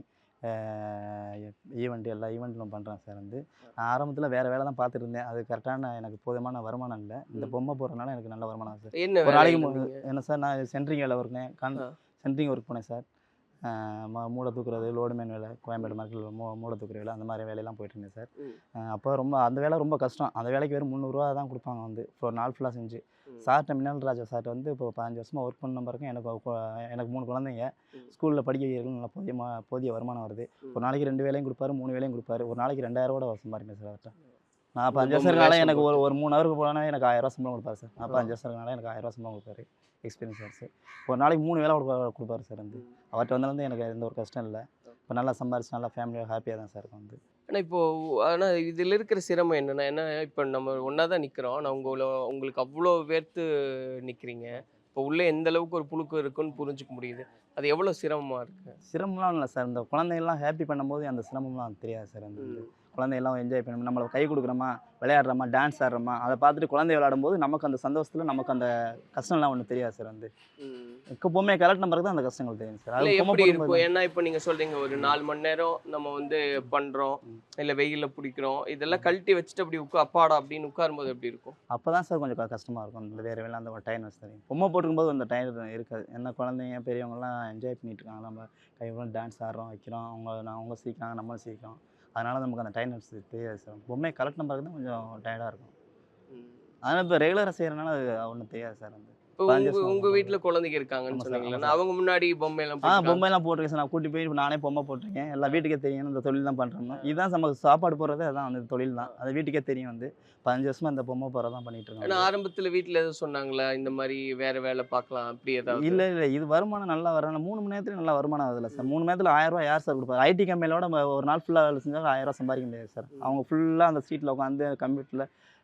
event, எல்லா ஈவெண்ட்டும் பண்ணுறேன் சார். வந்து நான் ஆரம்பத்தில் வேறு வேலை தான் பார்த்துட்டு இருந்தேன், அது கரெக்டான எனக்கு போதுமான வருமானம் இல்லை. இந்த பொம்மை போடுறதுனால எனக்கு நல்ல வருமானம் சார்.
என்ன
ஒரு நாளைக்கு
வேலையில
மூ-
இருந்தீங்க?
என்ன சார், நான் சென்ட்ரிங் வேலை ஒர்க்னேன், கான்
ஆ.
சென்ட்ரிங் ஒர்க் போனேன் சார். ம மூளை தூக்குறது, லோடு மேன் வேலை, கோயம்பேடு மார்க்கெட்டில் மூ மூளை தூக்குற வேலை, அந்த மாதிரி வேலையெல்லாம் போயிட்டு இருந்தேன் சார்.
ம்.
அப்போ ரொம்ப அந்த வேலை ரொம்ப கஷ்டம். அந்த வேலைக்கு வெறும் முந்நூறுரூவா தான் கொடுப்பாங்க வந்து, இப்போ ஒரு நாள் ஃபுல்லாக செஞ்சு.
ம்.
சார்ட்ட மினல் ராஜா சார்ட்ட வந்து இப்போ பதினஞ்சு வருஷமாக ஒர்க் பண்ண பிறகு எனக்கு கொ- எனக்கு மூணு குழந்தைங்க,
ம்.
ஸ்கூலில் படிக்க வைக்கிறதுக்கு நல்லா போதிய மா- போதிய வருமானம் வருது.
ம்.
ஒரு நாளைக்கு ரெண்டு வேலையும் கொடுப்பாரு, மூணு வேலையும் கொடுப்பாரு. ஒரு நாளைக்கு ரெண்டாயிரம் கூட சம்பாதிப்பேன் சார் அவர்கிட்ட. நான் இப்போ
ஒரு
அஞ்சு
பொம்மை
வருஷம் இருக்கனால
வேஷம்
எனக்கு ஒரு
போட்டு.
ஒரு மூணு ஹவருக்கு போனால் எனக்கு ஆயிரம் ரூபா சம்பளம் கொடுப்பாரு சார். நான் இப்போ
ஆ.
அஞ்சு வருஷம் இருக்கனால எனக்கு ஆயிரம் ரூபா சம்பளம் கொடுப்பாரு, எக்ஸ்பீரியன்ஸ் சார் சார். ஒரு நாளைக்கு மூணு வேலை கொடுப்பா கொடுப்பாரு சார். வந்து அவர்கிட்ட வந்தாலும் எனக்கு எந்த ஒரு கஷ்டம் இல்லை. இப்போ நல்லா சம்பாரிச்சு நல்லா ஃபேமிலியாக ஹாப்பியாக தான் சார் இருக்கும் வந்து.
ஆனா இப்போ ஆனா இதுல இருக்கிற சிரமம் என்னன்னா, என்ன இப்போ நம்ம ஒன்றா தான் நிக்கிறோம், ஆனால் உங்களை உங்களுக்கு அவ்வளோ வேர்த்து நிக்கிறீங்க. இப்போ உள்ள எந்த அளவுக்கு ஒரு புழுக்கு இருக்குன்னு புரிஞ்சுக்க முடியுது. அது எவ்வளோ சிரமமா இருக்கு?
சிரமம்லாம் இல்லை சார். இந்த குழந்தைங்கள்லாம் ஹாப்பி பண்ணும்போது அந்த சிரமம்லாம் தெரியாது சார். அந்த வந்து குழந்தையெல்லாம் என்ஜாய் பண்ணணும், நம்மளை கை கொடுக்குறோமா, விளையாடுறோமா, டான்ஸ் ஆடுறோமா, அதை பார்த்துட்டு குழந்தை விளையாடும்போது நமக்கு அந்த சந்தோஷத்தில் நமக்கு அந்த கஷ்டம்லாம் ஒன்றும் தெரியாது சார். வந்து
ம்.
இப்போ பொம்மையை கலட்டின பிறகு தான் அந்த கஷ்டங்கள் தெரியும் சார்.
இல்ல
அது பொம்மை
எப்படி
போடும்போது
இருக்கும்? ஏன்னா இப்போ நீங்க சொல்றீங்க ஒரு நாலு மணி நேரம் நம்ம வந்து பண்றோம், இல்ல வெயில்ல பிடிக்கிறோம், இதெல்லாம் கழட்டி வச்சுட்டு அப்படி உட்கா அப்பாடா அப்படின்னு உட்காரும்போது எப்படி இருக்கும்?
அப்போ தான் சார் கொஞ்சம் க- கஷ்டமாக இருக்கும். அந்த வேறு வேலை அந்த ஒரு டைம்னஸ் தெரியும். பொம்மை போட்டுக்கும்போது அந்த டைம் இருக்காது. என்ன குழந்தைங்க பெரியவங்கலாம் என்ஜாய் பண்ணிட்டு இருக்காங்க, நம்ம கைவிட டான்ஸ் ஆடுறோம் வைக்கிறோம், அவங்க நான் அவங்க சீக்கிரம் நம்மளும் சீக்கிரம், அதனால நமக்கு அந்த டைம்னஸ் தெரியாது சார். பொம்மையை கலட்டின பிறகு தான் கொஞ்சம் டயர்டாக இருக்கும்.
ம்.
அதனால் இப்போ ரெகுலராக செய்கிறனால அது ஒன்றும் தெரியாது சார். வந்து
இப்போ
பதினஞ்சு
உங்க
வருஷம்
உங்க
ஆகுது.
வீட்ல குழந்தைங்க இருக்காங்கன்னு
ஆமா சார்,
சொன்னீங்களா?
ஆமா
நான்
சார்.
அவங்க முன்னாடி பொம்மையெல்லாம்
ஆ
போட்டு
பொம்மைலாம் போட்டிருக்கேன் சார். நான் கூட்டி போய் நானே பொம்மை போட்டிருக்கேன். எல்லா வீட்டுக்கே தெரியும் இந்த தொழில் தான் பண்ணுறோம். இதுதான் நமக்கு சாப்பாடு போடுறது, அதான் அந்த தொழில் தான். அது வீட்டுக்கே தெரியும். வந்து பதினஞ்சு வருஷமா இந்த பொம்மை போடுறது தான் பண்ணிட்டு
ஆனா
இருக்கோம்.
ஆரம்பத்துல வீட்ல எதுவும் சொன்னாங்களா இந்த மாதிரி வேற வேலை பார்க்கலாம் அப்படி ஏதாவது?
இல்லை இல்லை இது வருமானம் நல்லா வரணும். மூணு மணி நேரத்துல நல்லா வருமானம் வருதுல்ல சார். மூணு மணி நேரத்தில் ஆயிரம் ரூபாய் யார் சார் கொடுப்பாரு? ஐடி கம்பெனியோட நம்ம ஒரு நாள் ஃபுல்லாக வேலை செஞ்சால் ஆயிரம் ரூபாய் சம்பாதிக்க முடியாது சார். அவங்க ஃபுல்லாக அந்த சீட்டில் உட்காந்து கம்ப்யூட்டரில்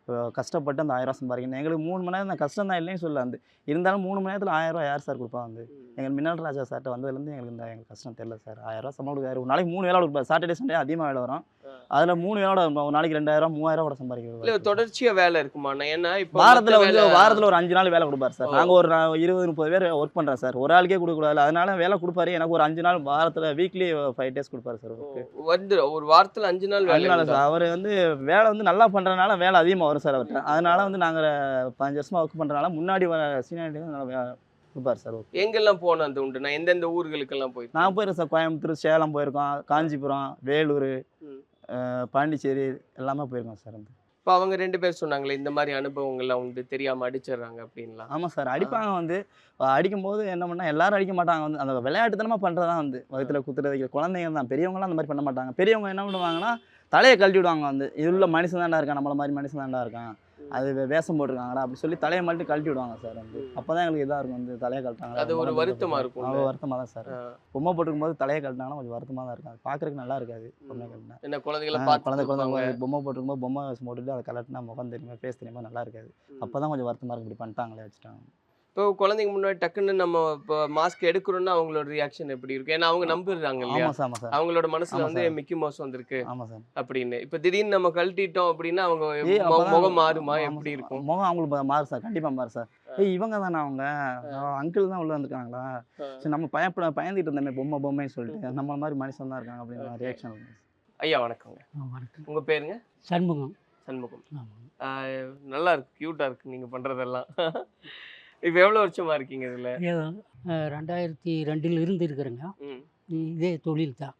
கஷ்டப்பட்டு அந்த ஆயிரம் சம்பாதிக்கணும். எங்களுக்கு மூணு மணி நேரம் கஷ்டம் தான் இல்லைன்னு சொல்ல வந்து இருந்தாலும் மூணு மணி நேரத்தில் ஆயிரம் ரூபா யார் சார் கொடுப்பா வந்து எங்கள் மின்னல் ராஜா சார்ட்ட வந்ததுலேருந்து எங்களுக்கு இந்த எங்களுக்கு கஷ்டம் தெரியல சார். ஆயிரம் ரூபா சம்பளம் கொடுக்காரு. ஒரு நாளைக்கு மூணு வேலை கொடுப்பாரு. சாட்டர்டே சண்டே அதிகமாக வேலை வரும். அதில் மூணு வேலை ஒரு நாளைக்கு ரெண்டாயிரம் மூவாயிரம் கூட சம்பாதிக்கிறது.
இல்ல தொடர்ச்சியா வேலை இருக்குமா? ஏன்னா இப்போ
வாரத்தில் வந்து வாரத்தில் ஒரு அஞ்சு நாள் வேலை கொடுப்பாரு சார். நாங்கள் ஒரு இருபது முப்பது பேர் ஒர்க் பண்ணுறோம் சார். ஒரு ஆளுக்கே கொடுக்கக்கூடாது. அதனால வேலை கொடுப்பாரு. எனக்கு ஒரு அஞ்சு நாள் வாரத்தில் வீக்லி ஃபைவ் டேஸ் கொடுப்பாரு சார்.
வந்து ஒரு வாரத்தில் அஞ்சு நாள் வேலை
நாள் சார். அவர் வந்து வேலை வந்து நல்லா பண்ணுறதுனால வேலை அதிகமாக வரும் சார் அவர்கிட்ட. அதனால வந்து நாங்கள் பதினஞ்சு வருஷமாக ஒர்க் பண்ணுறதுனால முன்னாடி வர சீனியாரிட்டி நல்லா கொடுப்பாரு சார்.
எங்கெல்லாம் போனோம் அந்த உண்டு? நான் எந்தெந்த ஊர்களுக்கெல்லாம் போய்
நான் போயிருக்கேன் சார். கோயம்புத்தூர், சேலம் போயிருக்கோம், காஞ்சிபுரம், வேலூர், பாண்டிச்சேரி எல்லாமே போயிருக்கோம் சார். வந்து
இப்போ அவங்க ரெண்டு பேர் சொன்னாங்களே இந்த மாதிரி அனுபவங்கள்லாம் உண்டு, தெரியாமல் அடிச்சிடுறாங்க அப்படின்லாம்.
ஆமாம் சார். அடிப்பாங்க. வந்து அடிக்கும்போது என்ன பண்ணால் எல்லாரும் அடிக்க மாட்டாங்க. வந்து அந்த விளையாட்டுத்தனமாக பண்ணுறது தான் வந்து வயிற்றுல குத்துறது குழந்தைங்க தான். பெரியவங்களாம் அந்த மாதிரி பண்ண மாட்டாங்க. பெரியவங்க என்ன பண்ணுவாங்கன்னா தலையை கழட்டி விடுவாங்க. வந்து இது உள்ள மனுஷன் தாண்டா இருக்கான், நம்மள மாதிரி மனுஷன் தாண்டா இருக்கான், அது வேஷம் போட்டிருக்காங்கடா அப்படி சொல்லி தலையை மட்டும் கழட்டி விடுவாங்க சார். வந்து அப்போ தான் எங்களுக்கு இதாக இருக்கும். வந்து தலையை கழட்டாங்க.
அது ஒரு வருத்தமாக இருக்கும்.
அவ்வளோ வருத்தமாக தான் சார். பொம்மை போட்டுக்கும் போது தலையை கழட்டினாங்கன்னா கொஞ்சம் வருத்தமாக தான் இருக்கும். அது பார்க்குறதுக்கு நல்லா இருக்காது. பொம்மை கழட்டினா
என்ன குழந்தைகளை பார்த்து
குழந்தை குழந்தை பொம்மை போட்டுக்கும் போது பொம்மை வேஷம் போட்டுட்டு அதை கலட்டினா முகம் தெரியுமா ஃபேஸ் தெரியுமா நல்லா இருக்காது. அப்போ தான் கொஞ்சம் வருத்தமாக இருக்கும். இப்படி பண்ணிட்டாங்களே வச்சுட்டாங்க.
இப்போ குழந்தைங்க முன்னாடி டக்குன்னு நம்ம இப்போ மாஸ்க் எடுக்கிறோம்னா அவங்களோட ரியாக்ஷன் எப்படி இருக்கும்? ஏன்னா அவங்க நம்பிடுறாங்க இல்லையா?
ஆமாம் சார். ஆமாம் சார்.
அவங்களோட மனசுல வந்து மிக்கி மவுஸ் வந்திருக்கு
ஆமாம் சார்
அப்படின்னு. இப்போ திடீர்னு நம்ம கழட்டிட்டோம் அப்படின்னா அவங்க முகம் மாறுமா? எப்படி இருக்கும்
முகம்? அவங்களுக்கு மாறு சார். கண்டிப்பாக மாறு சார். ஏய் இவங்க தானே அவங்க அங்கிள் தான் உள்ள வந்துருக்காங்களா? சரி நம்ம பயப்பட பயந்துட்டு இருந்தோமே பொம்மை பொம்மைன்னு சொல்லிட்டு நம்ம மாதிரி மனுஷன் தான் இருக்காங்க அப்படின்னு ரியாக்ஷன்.
ஐயா வணக்கங்க.
வணக்கம்.
உங்க பேருங்க?
சண்முகம்.
சண்முகம். நல்லா இருக்கு, கியூட்டா இருக்கு நீங்க பண்றதெல்லாம். இப்போ எவ்வளோ வருஷமா இருக்கீங்க இதில்?
ரெண்டாயிரத்தி ரெண்டில் இருந்து இருக்கிறேங்க. இதே தொழில் தான்.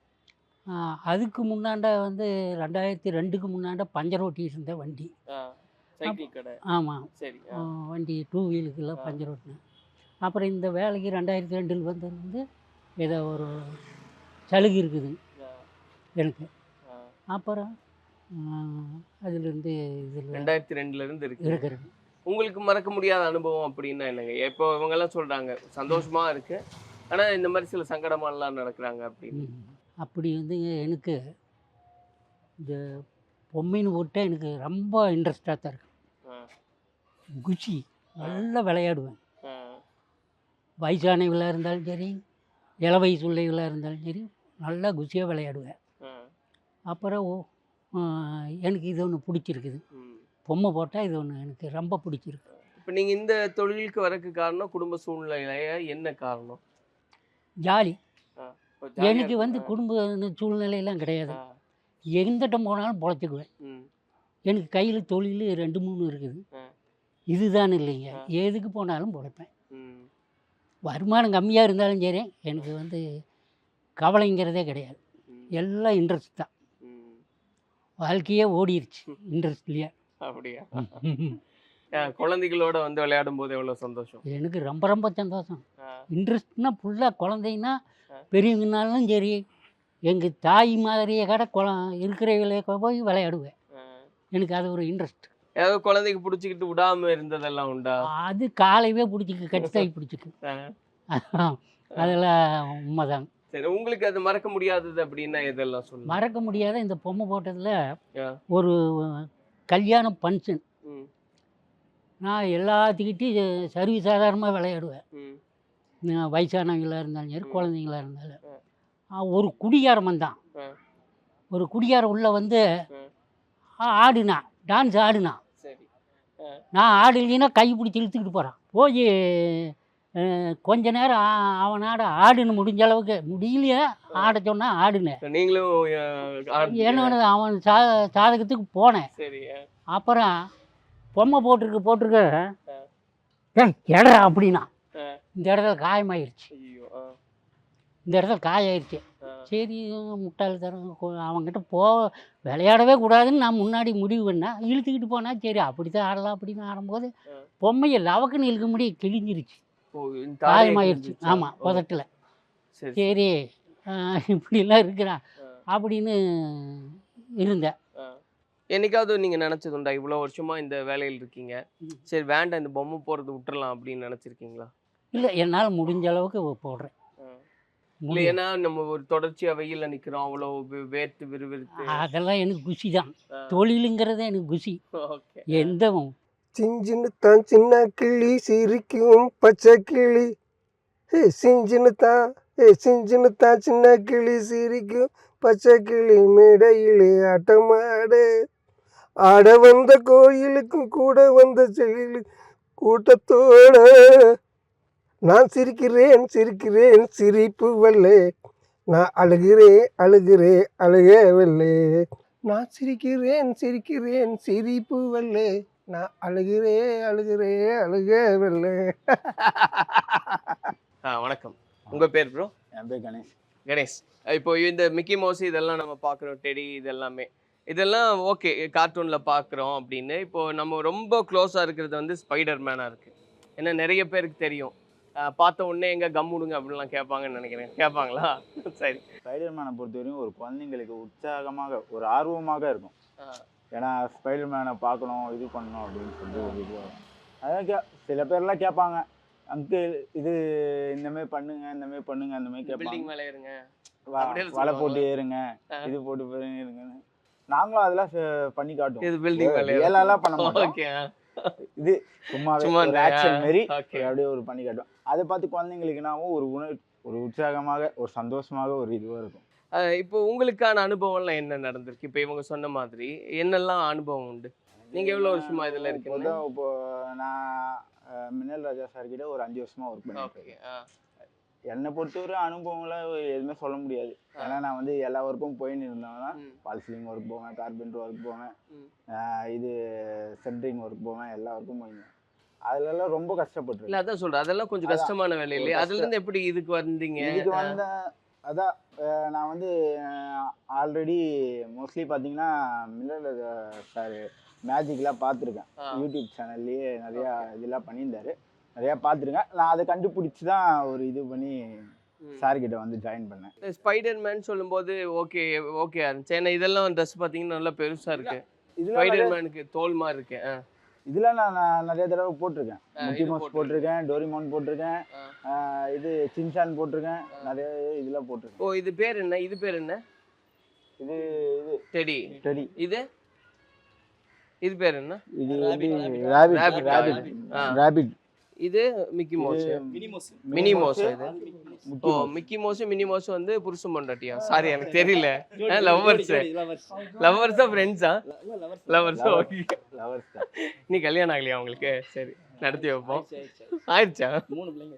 அதுக்கு முன்னாண்ட வந்து ரெண்டாயிரத்தி ரெண்டுக்கு முன்னாண்ட பஞ்சர் ஓட்டிட்டு இருந்த வண்டி.
சைக்கிள் கடை.
ஆமாம்.
சரி.
வண்டி டூ வீலுக்கெல்லாம் பஞ்சர் ஓட்டினேன். அப்புறம் இந்த வேலைக்கு ரெண்டாயிரத்தி ரெண்டில் வந்து வந்து ஏதோ ஒரு சலுகை இருக்குது எனக்கு. அப்புறம் அதுலேருந்து இதில்
ரெண்டாயிரத்தி ரெண்டுலேருந்து இருக்கு
இருக்கிறேன்.
உங்களுக்கு மறக்க முடியாத அனுபவம் அப்படின்னா என்னங்க? இப்போ இவங்கெல்லாம் சொல்கிறாங்க சந்தோஷமாக இருக்குது, ஆனால் இந்த மாதிரி சில சங்கடமாலாம் நடக்கிறாங்க அப்படின்னு.
அப்படி வந்து எனக்கு இந்த பொம்மைன்னு போட்டால் எனக்கு ரொம்ப இன்ட்ரெஸ்டாக தான் இருக்கு. குச்சி நல்லா விளையாடுவேன். வயசானவங்களாக இருந்தாலும் சரி, இள வயசு உள்ளவங்களாக இருந்தாலும் சரி, நல்லா குச்சியாக விளையாடுவேன். அப்புறம் எனக்கு இது ஒன்று பிடிச்சிருக்குது. பொம்மை போட்டால் இது ஒன்று எனக்கு ரொம்ப பிடிச்சிருக்கு.
இப்போ நீங்கள் இந்த தொழிலுக்கு வரக்கு காரணம் குடும்ப சூழ்நிலையா என்ன காரணம்?
ஜாலி. எனக்கு வந்து குடும்ப சூழ்நிலையெல்லாம் கிடையாது. எங்கிட்ட போனாலும் பொழைச்சிக்குவேன். எனக்கு கையில் தொழில் ரெண்டு மூணு இருக்குது. இதுதான் இல்லைங்க, எதுக்கு போனாலும் பொழைப்பேன். வருமானம் கம்மியாக இருந்தாலும் சரி எனக்கு வந்து கவலைங்கிறதே கிடையாது. எல்லாம் இன்ட்ரெஸ்ட் தான். வாழ்க்கையே ஓடிடுச்சு இன்ட்ரெஸ்ட்லேயே.
அப்படியா? குழந்தைகளோட வந்து விளையாடும் போது எவ்வளோ சந்தோஷம்?
எனக்கு ரொம்ப ரொம்ப சந்தோஷம். இன்ட்ரெஸ்ட்னா ஃபுல்லாக குழந்தைன்னா பெரியவங்கனாலும் சரி, எங்கள் தாய் மாதிரியே கடை குழ இருக்கிறவங்களே போய் விளையாடுவேன். எனக்கு அது ஒரு இன்ட்ரெஸ்ட்.
ஏதாவது குழந்தைக்கு பிடிச்சிக்கிட்டு விடாமல் இருந்ததெல்லாம் உண்டா?
அது காலையவே பிடிச்சிக்கு, கட்டித்தாய் பிடிச்சிக்கு. அதெல்லாம் உண்மைதாங்க.
சரி, உங்களுக்கு அது மறக்க முடியாதது அப்படின்னா எதெல்லாம் சொல்லுங்கள்?
மறக்க முடியாத இந்த பொம்மை போட்டதில் ஒரு கல்யாண ஃபங்க்ஷன். நான் எல்லாத்துக்கிட்டையும் சர்வீ சாதாரணமாக விளையாடுவேன். வயசானவங்களாக இருந்தாலும் சரி, குழந்தைங்களாக இருந்தாலும். ஒரு குடியாரம் வந்தான். ஒரு குடியாரம் உள்ள வந்து ஆடுனா, டான்ஸ் ஆடுனா. நான் ஆடலைன்னா கை பிடிச்சி இழுத்துக்கிட்டு போகிறான். போய் கொஞ்ச நேரம் அவனாட ஆடுன்னு முடிஞ்ச அளவுக்கு முடியலையே ஆட சொன்னா ஆடுனேன்.
நீங்களும்
என்னோட அவன் சா சாதகத்துக்கு போனேன். அப்புறம் பொம்மை போட்டிருக்கு போட்டிருக்க இடா அப்படின்னா இந்த இடத்துல காயமாயிருச்சு. இந்த இடத்துல காயாயிருச்சு. சரி முட்டாள் தரம் அவங்ககிட்ட போ விளையாடவே கூடாதுன்னு நான் முன்னாடி முடிவு பண்ணேன். இழுத்துக்கிட்டு போனால் சரி அப்படி தான் ஆடலாம் அப்படின்னு ஆடும்போது பொம்மையை லவக்குன்னு இழுக்க முடிய கிழிஞ்சிருச்சு, காயமாயிருச்சு. ஆமாம், புதட்டில். சரி இப்படிலாம் இருக்கிறான் அப்படின்னு இருந்தேன்.
என்னைக்காவது நீங்கள் நினச்சதுண்டா இவ்வளோ வருஷமாக இந்த வேலையில் இருக்கீங்க, சரி வேண்டாம் இந்த பொம்மை போடுறது விட்டுறலாம் அப்படின்னு நினச்சிருக்கீங்களா?
இல்லை, என்னால் முடிஞ்ச அளவுக்கு போடுறேன்.
இல்ல
முடியும்.
ஏன்னா நம்ம ஒரு தொடர்ச்சியா வெயில்ல நிக்கிறோம், அவ்வளோ வே- வேர்த்து விறுவிறுத்து.
அதெல்லாம் எனக்கு குஷி தான்.
ஆ.
தொழிலுங்கிறது எனக்கு குஷி.
ஓகே.
எந்த
சிஞ்சின்னு தான் சின்ன கிளி சிரிக்கும் பச்சை கிளி, ஏ சிஞ்சின்னு தான் ஏ சிஞ்சின்னு தான் சின்ன கிளி சிரிக்கும் பச்சை கிளி மேடையிலே ஆட்டமாடு, ஆட வந்த கோயிலுக்கும் கூட வந்த செகிலி கூட்டத்தோட நான் சிரிக்கிறேன் சிரிக்கிறேன் சிரிப்பு வல்லே, நான் அழுகிறேன் அழுகிறேன் அழுகவில்லை. நான் சிரிக்கிறேன் சிரிக்கிறேன் சிரிப்பு வல்லே, நான் அழுகிறேன் அழுகிறேன் அழுகவில்லை.
ஆ வணக்கம். உங்க பேர் ப்ரோ?
என் பேர் கணேஷ்.
கணேஷ். இப்போ இந்த மிக்கி மவுஸ் இதெல்லாம் நம்ம பார்க்குறோம், டெடி இதெல்லாமே இதெல்லாம் ஓகே கார்ட்டூனில் பார்க்குறோம் அப்படின்னு. இப்போ நம்ம ரொம்ப க்ளோஸாக இருக்கிறது வந்து ஸ்பைடர் மேனாக இருக்குது. ஏன்னா நிறைய பேருக்கு தெரியும், அஹ் பார்த்த உடனே எங்கே கம்முடுங்க அப்படின்லாம் கேட்பாங்கன்னு நினைக்கிறேன். கேட்பாங்களா? சரி.
ஸ்பைடர்மேனை பொறுத்தவரையும் ஒரு குழந்தைங்களுக்கு உற்சாகமாக ஒரு ஆர்வமாக இருக்கும்.
ஆ.
ஏன்னா ஸ்பைடர்மேனை பார்க்கணும் இது பண்ணணும் அப்படின்னு சொல்லிட்டு ஒரு இது வரும். அதான் கே சில பேர்லாம் கேட்பாங்க, அங்கிள் இது இந்தமாரி பண்ணுங்க இந்தமாரி பண்ணுங்க அந்த மாதிரி கேட்பாங்க.
பில்டிங் மேலே இருங்க,
வ-
அப்படியே
வலை
சொல்லுவாங்க.
போட்டு ஏறுங்க,
ஆ.
இது போட்டு போயிருங்க இருங்கன்னு நாங்களும் அதெல்லாம் செ- பண்ணி காட்டுவோம்.
இது பில்டிங் மேலே
ஏழாலாம் பண்ண மாட்டோம்.
ஓகே.
இது சும்மாவே
சும்மா
ஒரு
இந்த
ஆக்ஷன் மாரி
ஓகே.
அப்படியே ஒரு பண்ணி காட்டுவோம். அதை பார்த்து குழந்தைங்களுக்குனாவும் ஒரு உணர் ஒரு உற்சாகமாக ஒரு சந்தோஷமாக ஒரு இதுவாக இருக்கும்.
அஹ் இப்போ உங்களுக்கான அனுபவம்லாம் என்ன நடந்திருக்கு? இப்போ இவங்க சொன்ன மாதிரி என்னெல்லாம் அனுபவம் உண்டு? நீங்க எவ்வளவு வருஷமா இதுல இருக்கீங்க?
இப்போதான் இப்போ நான் அஹ், மின்னல் ராஜா சார் கிட்ட ஒரு அஞ்சு வருஷமா ஒர்க் பண்ணிட்டு
ஓகே.
இருக்கேன். என்னை பொறுத்தவரை அனுபவம்லாம் எதுவுமே சொல்ல முடியாது. ஏன்னா நான் வந்து எல்லா ஒர்க்கும் போயின்னு இருந்தேன்னா
ம்.
பால் சீலிங் ஒர்க் போவேன், கார்பெண்டர் ஒர்க் போவேன்,
ம்.
அஹ், இது சென்ட்ரிங் ஒர்க் போவேன், எல்லா ஒர்க்கும் போயிருந்தேன். அதுலலாம் ரொம்ப
இல்ல
கஷ்டப்பட்டிருக்கேன்.
அதான் சொல்றேன், அதெல்லாம் கொஞ்சம்
அதான்.
கஷ்டமான வேலை
ஒரு
இல்லையா?
கஷ்டம்.
அதுல இருந்து எப்படி இதுக்கு வந்தீங்க?
இதுக்கு வந்த அதான் அஹ், நான் வந்து ஆல்ரெடி மோஸ்ட்லி பார்த்தீங்கன்னா மின்னல் ராஜா சார் மேஜிக்லாம் பார்த்துருக்கேன்.
ஆ.
யூடியூப் சேனல்லையே நிறையா இதெல்லாம் பண்ணியிருந்தாரு, நிறையா பார்த்துருக்கேன். நான் அதை கண்டுபிடிச்சி தான் ஒரு இது பண்ணி
ம்.
சார்கிட்ட வந்து ஜாயின் பண்ணேன்.
இந்த ஸ்பைடர் மேன் சொல்லும்போது ஓகே ஓகே இருந்துச்சு. ஏன்னா இதெல்லாம் ட்ரெஸ் பார்த்தீங்கன்னா நல்லா பெருசா இருக்கு.
இதில்
ஸ்பைடர் மேனுக்கு தோல் மாதிரி இருக்கு. ஆ.
இதெல்லாம் நான் நான் நிறைய தடவை போட்டிருக்கேன்.
ஆ,
முக்கி
இது
மவுஸ்
போட்டிருக்கேன்.
போட்டிருக்கேன், டோரிமான் போட்டிருக்கேன்,
ஆ.
ஆஹ் இது சின்சான் போட்டிருக்கேன், நிறைய இதெல்லாம் போட்டிருக்கேன்.
ஓ இது பேர் என்ன? இது பேர் என்ன?
இது இது
டெடி.
டெடி,
இது இது பேர் என்ன?
இது வந்து
Rabbit.
ராபிட் ராபிட்
ஆ.
ராபிட்,
இது மிக்கி மவுஸ். மினி மவுஸ் இது. ஓ மிக்கி மவுஸ் மினி மவுஸ் வந்து புருஷன் பொண்டாட்டியா? சாரி எனக்கு தெரியல. லவ்வர்ஸ் லவ்வர்ஸா ஃப்ரெண்ட்ஸா? லவ்வர்ஸ். ஓகே.
லவர்ஸ்.
நீ கல்யாணம் ஆகலையா உங்களுக்கு? சரி நடத்தி வைப்போம். ஆயிடுச்சா?
மூணு பிள்ளைங்க.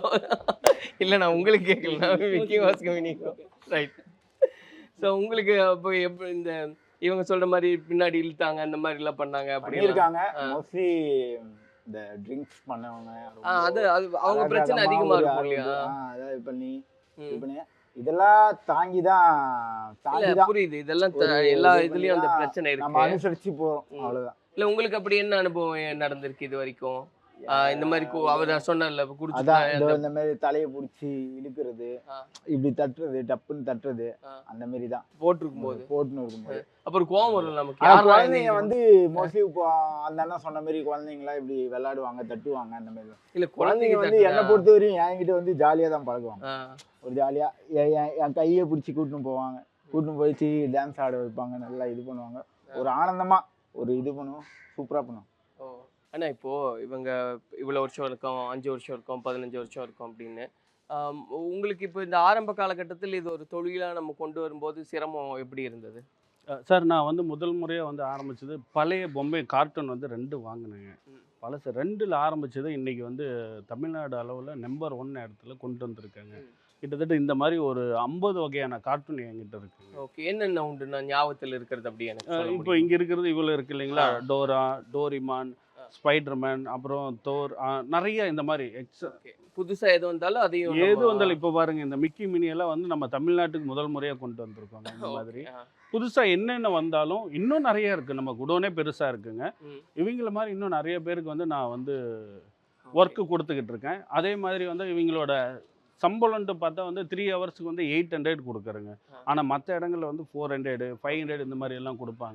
இல்ல நான் உங்களுக்கு கேட்கல, மிக்கி மவுஸ்க்கு மினி ரைட். ஸோ உங்களுக்கு அப்போ எப்படி இந்த இவங்க சொல்ற மாதிரி பின்னாடி இழுத்தாங்க அந்த மாதிரி எல்லாம் பண்ணாங்க அப்படி
பண்ணியிருக்காங்க.
ஆ.
மோஸ்ட்லி இந்த ட்ரிங்க்ஸ் பண்ணவங்க
ஆ, அது அது அவங்க பிரச்சனை அதிகமா இருக்கும் இல்லையா?
அதாவது பண்ணி இது
ம்.
பண்ணி இதெல்லாம் தாங்கி தான் தாங்கி
இல்ல
தான்
புரியுது, இதெல்லாம் த-
ஒரு
எல்லா
இது
இதுலயும் அந்த
பண்ணி
பிரச்சனை
நம்ம
இருக்கு.
அனுசரிச்சு போறோம்,
ம்.
அவ்வளவுதான்.
இல்ல உங்களுக்கு அப்படி என்ன அனுபவம் நடந்திருக்கு இது வரைக்கும்? ஆ, இந்த மாதிரி கு- அவர் சொன்னார்ல
அதான் இந்த
குடிச்சு
இந்த மாதிரி தலையை பிடிச்சி இழுக்கிறது,
ஆ.
இப்படி தட்டுறது, டப்புன்னு தட்டுறது,
ஆ.
அந்த மாதிரி தான்
போட்டிருக்கும் போது
போட்டுன்னு இருக்கும்போது.
அப்புறம் கோவம் வரும் நமக்கு.
ஆனா
யாரெல்லாம்
குழந்தைங்க
இந்த-
வந்து மோஸ்ட்லி இப்போ அந்த அண்ணா சொன்ன மாதிரி குழந்தைங்களாம் இப்படி விளையாடுவாங்க, தட்டுவாங்க, அந்த மாதிரி தான்.
இல்ல
குழந்தைங்க
குழந்தைங்க
வந்து என்னை
தட்டுனா-
பொறுத்த வரையும் என்கிட்ட வந்து ஜாலியாக தான் பழகுவாங்க.
ஆ.
ஒரு ஜாலியாக என் கையை பிடிச்சி கூட்டின்னு போவாங்க, கூட்டின்னு போயிடுச்சு டான்ஸ் ஆட வைப்பாங்க, நல்லா இது பண்ணுவாங்க. ஒரு ஆனந்தமாக ஒரு இது பண்ணுவோம், சூப்பராக பண்ணுவோம்.
ஓ ஆனா இப்போ இவங்க இவ்வளவு வருஷம் இருக்கும், அஞ்சு வருஷம் இருக்கும், பதினஞ்சு வருஷம் இருக்கும் அப்படின்னு ஆம், உங்களுக்கு இப்போ இந்த ஆரம்ப காலகட்டத்தில் இது ஒரு தொழிலா நம்ம கொண்டு வரும்போது சிரமம் எப்படி இருந்தது?
அஹ் சார், நான் வந்து முதல் முறையாக வந்து ஆரம்பிச்சது பழைய பொம்மை கார்ட்டூன் வந்து ரெண்டு வாங்கினேங்க.
ம்.
பழசு ரெண்டில் ஆரம்பிச்சது இன்னைக்கு வந்து தமிழ்நாடு அளவில் நம்பர் ஒன் இடத்துல கொண்டு வந்திருக்காங்க.
ம்.
கிட்டத்தட்ட இந்த மாதிரி ஒரு ஐம்பது வகையான கார்ட்டூன் என்கிட்ட இருக்குங்க.
ஓகே, என்னென்ன உண்டு நான் ஞாபகத்தில் இருக்கிறது அப்படி எனக்கு
அஹ்
சொல்ல
இப்போ
முடியுமா?
இங்கே இருக்கிறது இவ்வளோ இருக்கு இல்லைங்களா?
ஆ.
டோரா, டோரிமான்,
ஆ.
ஸ்பைடர்மேன், அப்புறம் தோர், அஹ் நிறைய இந்த மாதிரி எக்ஸ்
ஓகே, புதுசா எது வந்தாலும் அதையும்
எது
நம்ம-
வந்தாலும் இப்போ பாருங்க, இந்த மிக்கி மினி எல்லாம் வந்து நம்ம தமிழ்நாட்டுக்கு முதல் முறையாக கொண்டு வந்திருக்கோங்க. இந்த மாதிரி
ஓகே, ஆ.
புதுசாக என்னென்ன வந்தாலும் இன்னும் நிறைய இருக்குது. நம்ம குடோனே பெருசாக இருக்குங்க.
ம்.
இவங்கள மாதிரி இன்னும் நிறைய பேருக்கு வந்து நான் வந்து ஒர்க்கு கொடுத்துக்கிட்டு இருக்கேன். அதே மாதிரி வந்து இவங்களோட சம்பளம்ட்டு பார்த்தா வந்து த்ரீ ஹவர்ஸுக்கு வந்து எயிட் ஹண்ட்ரட் கொடுக்குறேங்க.
ஆ.
ஆனால் மற்ற இடங்களில் வந்து ஃபோர் ஹண்ட்ரடு ஃபைவ் ஹண்ட்ரட் இந்த மாதிரி எல்லாம் கொடுப்பாங்க.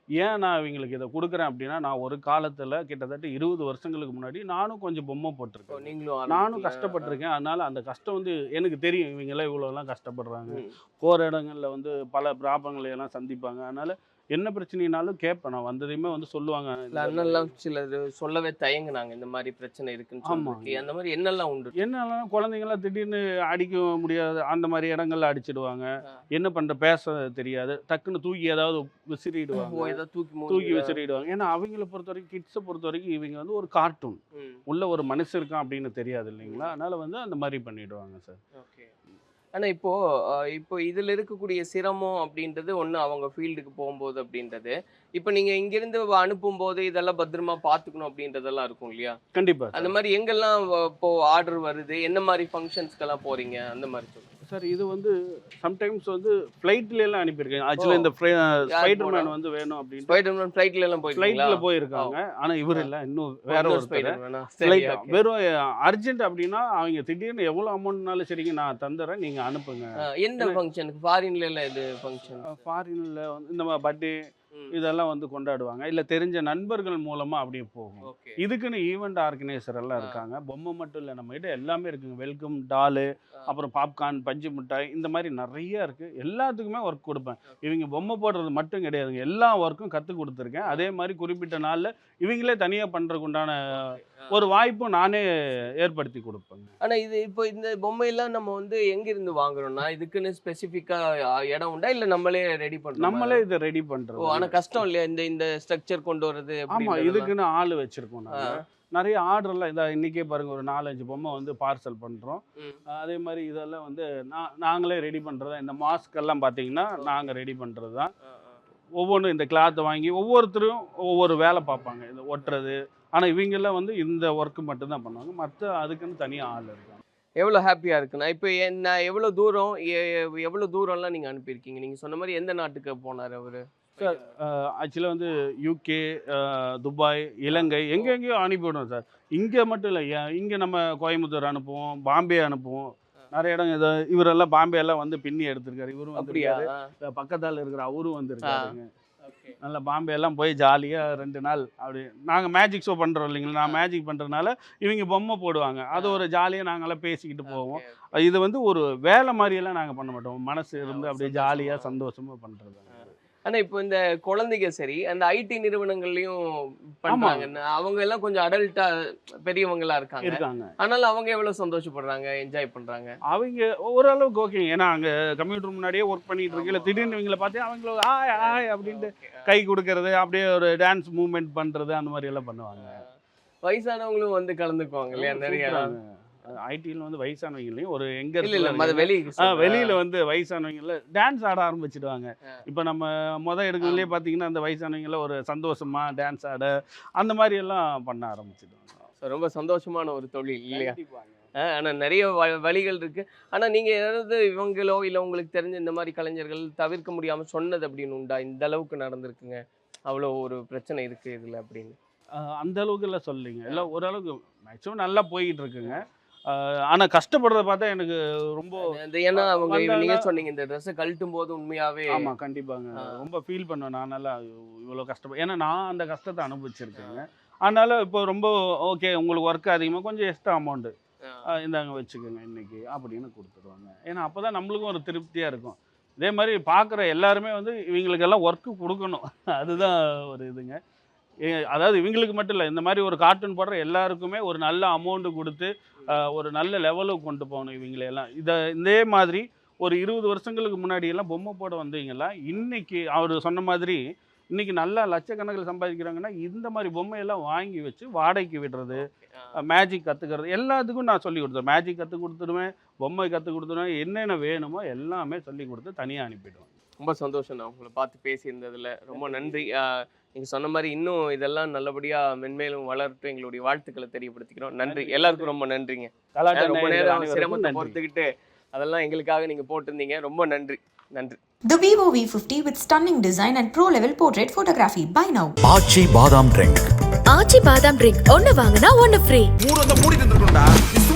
ஏன் நான் இவங்களுக்கு இதை கொடுக்குறேன் அப்படின்னா, நான் ஒரு காலத்தில் கிட்டத்தட்ட இருபது வருஷங்களுக்கு முன்னாடி நானும் கொஞ்சம் பொம்மை போட்டிருக்கேன்.
நீங்களும்
நானும் கஷ்டப்பட்டிருக்கேன். அதனால அந்த கஷ்டம் வந்து எனக்கு தெரியும். இவங்கெல்லாம் இவ்வளோலாம் கஷ்டப்படுறாங்க. போகிற இடங்களில் வந்து பல ப்ராப்ளங்களை எல்லாம் சந்திப்பாங்க. அதனால என்ன பிரச்சனைனாலும் கேட்பேன். நான் வந்ததையுமே வந்து சொல்லுவாங்க.
அண்ணெல்லாம் சிலர் சொல்லவே தயங்குனாங்க இந்த மாதிரி பிரச்சனை இருக்குன்னு சொல்லிட்டு. அந்த மாதிரி என்னெல்லாம் உண்டு?
என்னெல்லாம் குழந்தைங்களாம் திடீர்னு அடிக்க முடியாது, அந்த மாதிரி இடங்கள்ல அடிச்சிடுவாங்க. என்ன பண்ற பேச தெரியாது, டக்குன்னு தூக்கி ஏதாவது விசிறிடுவாங்க,
ஏதாவது தூக்கி
தூக்கி விசிறிடுவாங்க. ஏன்னா அவங்கள பொறுத்த வரைக்கும், கிட்ஸை பொறுத்த வரைக்கும் இவங்க வந்து ஒரு கார்ட்டூன் உள்ள ஒரு மனுஷன் இருக்கான் அப்படின்னு தெரியாது இல்லைங்களா. அதனால வந்து அந்த மாதிரி பண்ணிடுவாங்க சார்.
ஓகே. ஆனால் இப்போ அஹ், இப்போ இதில் இருக்கக்கூடிய சிரமம் அப்படின்றது ஒன்று அவங்க ஃபீல்டுக்கு போகும்போது அப்படின்றது. இப்போ நீங்கள் இங்கேருந்து அனுப்பும்போது இதெல்லாம் பத்திரமா பார்த்துக்கணும் அப்படின்றதெல்லாம் இருக்கும் இல்லையா?
கண்டிப்பா
அந்த மாதிரி எங்கெல்லாம் வ- இப்போ ஆர்டர் வருது, என்ன மாதிரி ஃபங்க்ஷன்ஸ்க்கெல்லாம் போறீங்க, அந்த மாதிரி சொல்லுங்க.
சார். இது வந்து சம்டைம்ஸ் வந்து ஃப்ளைட்ல எல்லாம் அனுப்பியிருக்கேன். ஆக்சுவலாக இந்த ஸ்பைடர்மேன் வந்து வேணும் அப்படின்னு
ஸ்பைடர்மேன் ஃப்ளைட்ல எல்லாம் போயிருக்கீங்களா?
ஃப்ளைட்ல போயிருக்காங்க. ஆனா இவர் இல்லை, இன்னும் வேற
இன்னொரு
ஒருத்தர்
ஸ்பைடர்மேனா? சரி,
ஃப்ளைட்
okay.
வெறும் அர்ஜென்ட் அப்படின்னா அவங்க திடீர்னு எவ்வளோ அமௌண்ட்னாலும் சரிங்க நான் தந்துடுறேன், நீங்க அனுப்புங்க.
அஹ், எந்த ஃபங்க்ஷனுக்கு? ஃபாரின்ல எல்லாம் எது ஃபங்க்ஷன்?
ஃபாரின்ல வந்து இந்த மாதிரி பர்த்டே இதெல்லாம் வந்து கொண்டாடுவாங்க. இல்லை தெரிஞ்ச நண்பர்கள் மூலமா அப்படியே போகும்.
ஓகே.
இதுக்குன்னு ஈவெண்ட் ஆர்கனைசர் எல்லாம் இருக்காங்க. பொம்மை மட்டும் இல்லை, நம்ம கிட்ட எல்லாமே இருக்குங்க. வெல்கம் டாலு, அப்புறம் பாப்கார்ன், பஞ்சு மிட்டாய், இந்த மாதிரி நிறைய இருக்கு. எல்லாத்துக்குமே ஒர்க் கொடுப்பேன். இவங்க பொம்மை போடுறது மட்டும் கிடையாதுங்க, எல்லா ஒர்க்கும் கற்றுக் கொடுத்துருக்கேன். அதே மாதிரி குறிப்பிட்ட நாளில் இவங்களே தனியாக பண்ணுறதுக்கு உண்டான ஒரு வாய்ப்பும் நானே ஏற்படுத்தி கொடுப்பேங்க.
ஆனா இது இப்போ இந்த பொம்மையெல்லாம் நம்ம வந்து எங்க இருந்து வாங்குறோம்னா, இதுக்குன்னு ஸ்பெசிஃபிக்கா இடம் உண்டா, இல்ல நம்மளே ரெடி பண்றோம்?
நம்மளே இதை ரெடி
ஓ,
பண்ணுறது.
ஆனா கஷ்டம் இல்லையா இந்த இந்த ஸ்ட்ரக்சர் கொண்டு வரது?
ஆமாம்,
அப்படின்றதெல்லாம்?
இதுக்குன்னு ஆள் வச்சுருக்கோம் நாங்கள். நிறைய ஆர்டர்லாம் இந்த இன்றைக்கே பாருங்கள், ஒரு நாலஞ்சு பொம்மை வந்து பார்சல் பண்ணுறோம்.
ம்.
அதே மாதிரி இதெல்லாம் வந்து நான் நாங்களே ரெடி பண்ணுறது தான். இந்த மாஸ்க் எல்லாம் பார்த்தீங்கன்னா நாங்கள் ரெடி பண்ணுறது தான்.
ஆ, ஆ.
ஒவ்வொன்றும் இந்த கிளாத்தை வாங்கி ஒவ்வொருத்தரும் ஒவ்வொரு வேலை பார்ப்பாங்க, இந்த ஒட்டுறது. ஆனால் இவங்கெல்லாம் வந்து இந்த ஒர்க்கு மட்டும்தான் பண்ணுவாங்க. மற்ற அதுக்குன்னு தனியாக ஆள் இருக்காங்க.
எவ்வளோ ஹாப்பியா இருக்குண்ணா. இப்போ என்ன எவ்வளோ தூரம் எ- எவ்வளோ தூரம்லாம் நீங்க அனுப்பியிருக்கீங்க? நீங்க சொன்ன மாதிரி எந்த நாட்டுக்கு போனாரு அவரு?
சார் ஆக்சுவலாக வந்து யூகே, துபாய், இலங்கை, எங்கெங்கேயோ அனுப்பிவிடுவோம் சார். இங்கே மட்டும் இல்லை, இங்கே நம்ம கோயம்புத்தூர் அனுப்புவோம், பாம்பே அனுப்புவோம். நிறைய இடம் இதை இவரெல்லாம் பாம்பே எல்லாம் வந்து பின்னி எடுத்திருக்காரு. இவரும்
அப்படியா?
வந்து பக்கத்தால் இருக்கிற அவரும் வந்திருக்காருங்க.
ஓகே.
நல்லா பாம்பே எல்லாம் போய் ஜாலியாக ரெண்டு நாள் அப்படி நாங்கள் மேஜிக் ஷோ பண்ணுறோம் இல்லைங்களா. நான் மேஜிக் பண்ணுறதுனால இவங்க பொம்மை போடுவாங்க. அது ஒரு ஜாலியாக நாங்களாம் பேசிக்கிட்டு போவோம். இது வந்து ஒரு வேலை மாதிரியெல்லாம் நாங்கள் பண்ண மாட்டோம். மனசு இருந்து அப்படியே ஜாலியாக சந்தோஷமாக பண்ணுறது.
ஆனா இப்போ இந்த குழந்தைங்க சரி, அந்த ஐடி நிறுவனங்கள்லயும் பண்றாங்க. அவங்க எல்லாம் கொஞ்சம் அடல்ட்டா பெரியவங்களா இருக்காங்க.
இருக்காங்க.
ஆனாலும் அவங்க எவ்வளவு சந்தோஷப்படுறாங்க, என்ஜாய் பண்றாங்க?
அவங்க ஓரளவுக்கு ஓகேங்க. ஏன்னா அங்கே கம்ப்யூட்டர் முன்னாடியே ஒர்க் பண்ணிட்டு இருக்கல, திடீர்னு இவங்களை பார்த்து அவங்கள ஆய் ஆய் அப்படின்ட்டு கை கொடுக்கறது, அப்படியே ஒரு டான்ஸ் மூவ்மெண்ட் பண்ணுறது, அந்த மாதிரி எல்லாம் பண்ணுவாங்க.
வயசானவங்களும் வந்து கலந்துக்குவாங்க இல்லையா? நிறைய
ஐடியில் வந்து வயசானவங்களையும் ஒரு எங்க
இல்ல இல்ல மத
இருக்கு
வெளி
வெளியில வந்து வயசானவங்கள டான்ஸ் ஆட ஆரம்பிச்சிடுவாங்க. இப்போ நம்ம மொதல் எடுக்கிறதுலேயே பார்த்தீங்கன்னா அந்த வயசானவங்கள ஒரு சந்தோஷமா டான்ஸ் ஆட அந்த மாதிரி எல்லாம் பண்ண ஆரம்பிச்சிடுவாங்க.
ரொம்ப சந்தோஷமான ஒரு தொழில் இல்லையா? அஹ் ஆனா நிறைய வ- வழிகள் இருக்கு. ஆனா நீங்க ஏதாவது இவங்களோ இல்ல உங்களுக்கு தெரிஞ்ச இந்த மாதிரி கலைஞர்கள் தவிர்க்க முடியாம சொன்னது அப்படின்னு உண்டா? இந்த அளவுக்கு நடந்திருக்குங்க, அவ்வளோ ஒரு பிரச்சனை இருக்கு இதுல அப்படின்னு?
அஹ் அந்த அளவுக்கு எல்லாம் சொல்லிங்க, எல்லாம் ஓரளவுக்கு மேக்ஸிமம் நல்லா போய்கிட்டு இருக்குங்க. அஹ் ஆனா கஷ்டப்படுறத பார்த்தா எனக்கு ரொம்ப
அந்த ஏன்னா அவங்க
வந்தாங்கன்னா-
நீங்க சொன்னீங்க இந்த ட்ரெஸ்ஸை கழட்டும் போது உண்மையாவே
ஆமா கண்டிப்பாங்க ரொம்ப ஃபீல் பண்ணுவேன். நான் நல்லா இவ்வளோ கஷ்டப்ப ஏன்னா நான் அந்த கஷ்டத்தை அனுபவிச்சிருக்கேங்க. அதனால இப்போ ரொம்ப ஓகே, உங்களுக்கு ஒர்க் அதிகமாக கொஞ்சம் எக்ஸ்ட்ரா அமௌண்ட்டு இந்தாங்க வச்சுக்கோங்க இன்னைக்கு அப்படின்னு கொடுத்துருவாங்க. ஏன்னா அப்போ தான் நம்மளுக்கும் ஒரு திருப்தியாக இருக்கும். இதே மாதிரி பார்க்குற எல்லாருமே வந்து இவங்களுக்கெல்லாம் ஒர்க்கு கொடுக்கணும். அதுதான் ஒரு இதுங்க. ஏ- அதாவது இவங்களுக்கு மட்டும் இல்லை, இந்த மாதிரி ஒரு கார்ட்டூன் போடுற எல்லாருக்குமே ஒரு நல்ல அமௌண்ட்டு கொடுத்து ஆஹ், ஒரு நல்ல லெவலுக்கு கொண்டு போகணும் இவங்களையெல்லாம். இதை இதே மாதிரி ஒரு இருபது வருஷங்களுக்கு முன்னாடி எல்லாம் பொம்மை போட வந்தீங்களா, இன்னைக்கு அவர் சொன்ன மாதிரி இன்னைக்கு நல்லா லட்சக்கணக்கில் சம்பாதிக்கிறாங்கன்னா இந்த மாதிரி பொம்மையெல்லாம் வாங்கி வச்சு வாடகைக்கு விடுறது, மேஜிக் கற்றுக்கிறது, எல்லாத்துக்கும் நான் சொல்லி கொடுத்துருவேன். மேஜிக் கற்றுக் கொடுத்துருவேன், பொம்மை கற்றுக் கொடுத்துருவேன், என்னென்ன வேணுமோ எல்லாமே சொல்லி கொடுத்து தனியாக அனுப்பிடுவேன்.
ரொம்ப சந்தோஷம் நான் உங்களை பார்த்து பேசியிருந்ததுல. ரொம்ப நன்றி. ஆஹ் நீங்க சொன்ன மாதிரி இன்னும் இதெல்லாம் நல்லபடியா மென்மேலும் வளரட்டும் எங்களுடைய வாழ்த்துக்களை தெரியப்படுத்திக்கிறோம். நன்றி, எல்லாருக்கும் ரொம்ப நன்றிங்க.
கலாட்டா
ரொம்ப
நேயர்கள்
நேரம்
அனைவருக்கும்
சிரமத்தை
நன்றி.
பொறுத்துக்கிட்டு அதெல்லாம் எங்களுக்காக நீங்க போட்டிருந்தீங்க. ரொம்ப நன்றி. நன்றி.
The Vivo V fifty with stunning design and pro-level portrait photography. Buy now.
ஆச்சி பாதாம் ட்ரிங்க்.
ஆச்சி பாதாம் ட்ரிங்க் ஒன்னு வாங்கினா ஒன்னு ஃப்ரீ.
மூடு வந்து மூடிட்டு இருந்துருக்கும்டா. நீ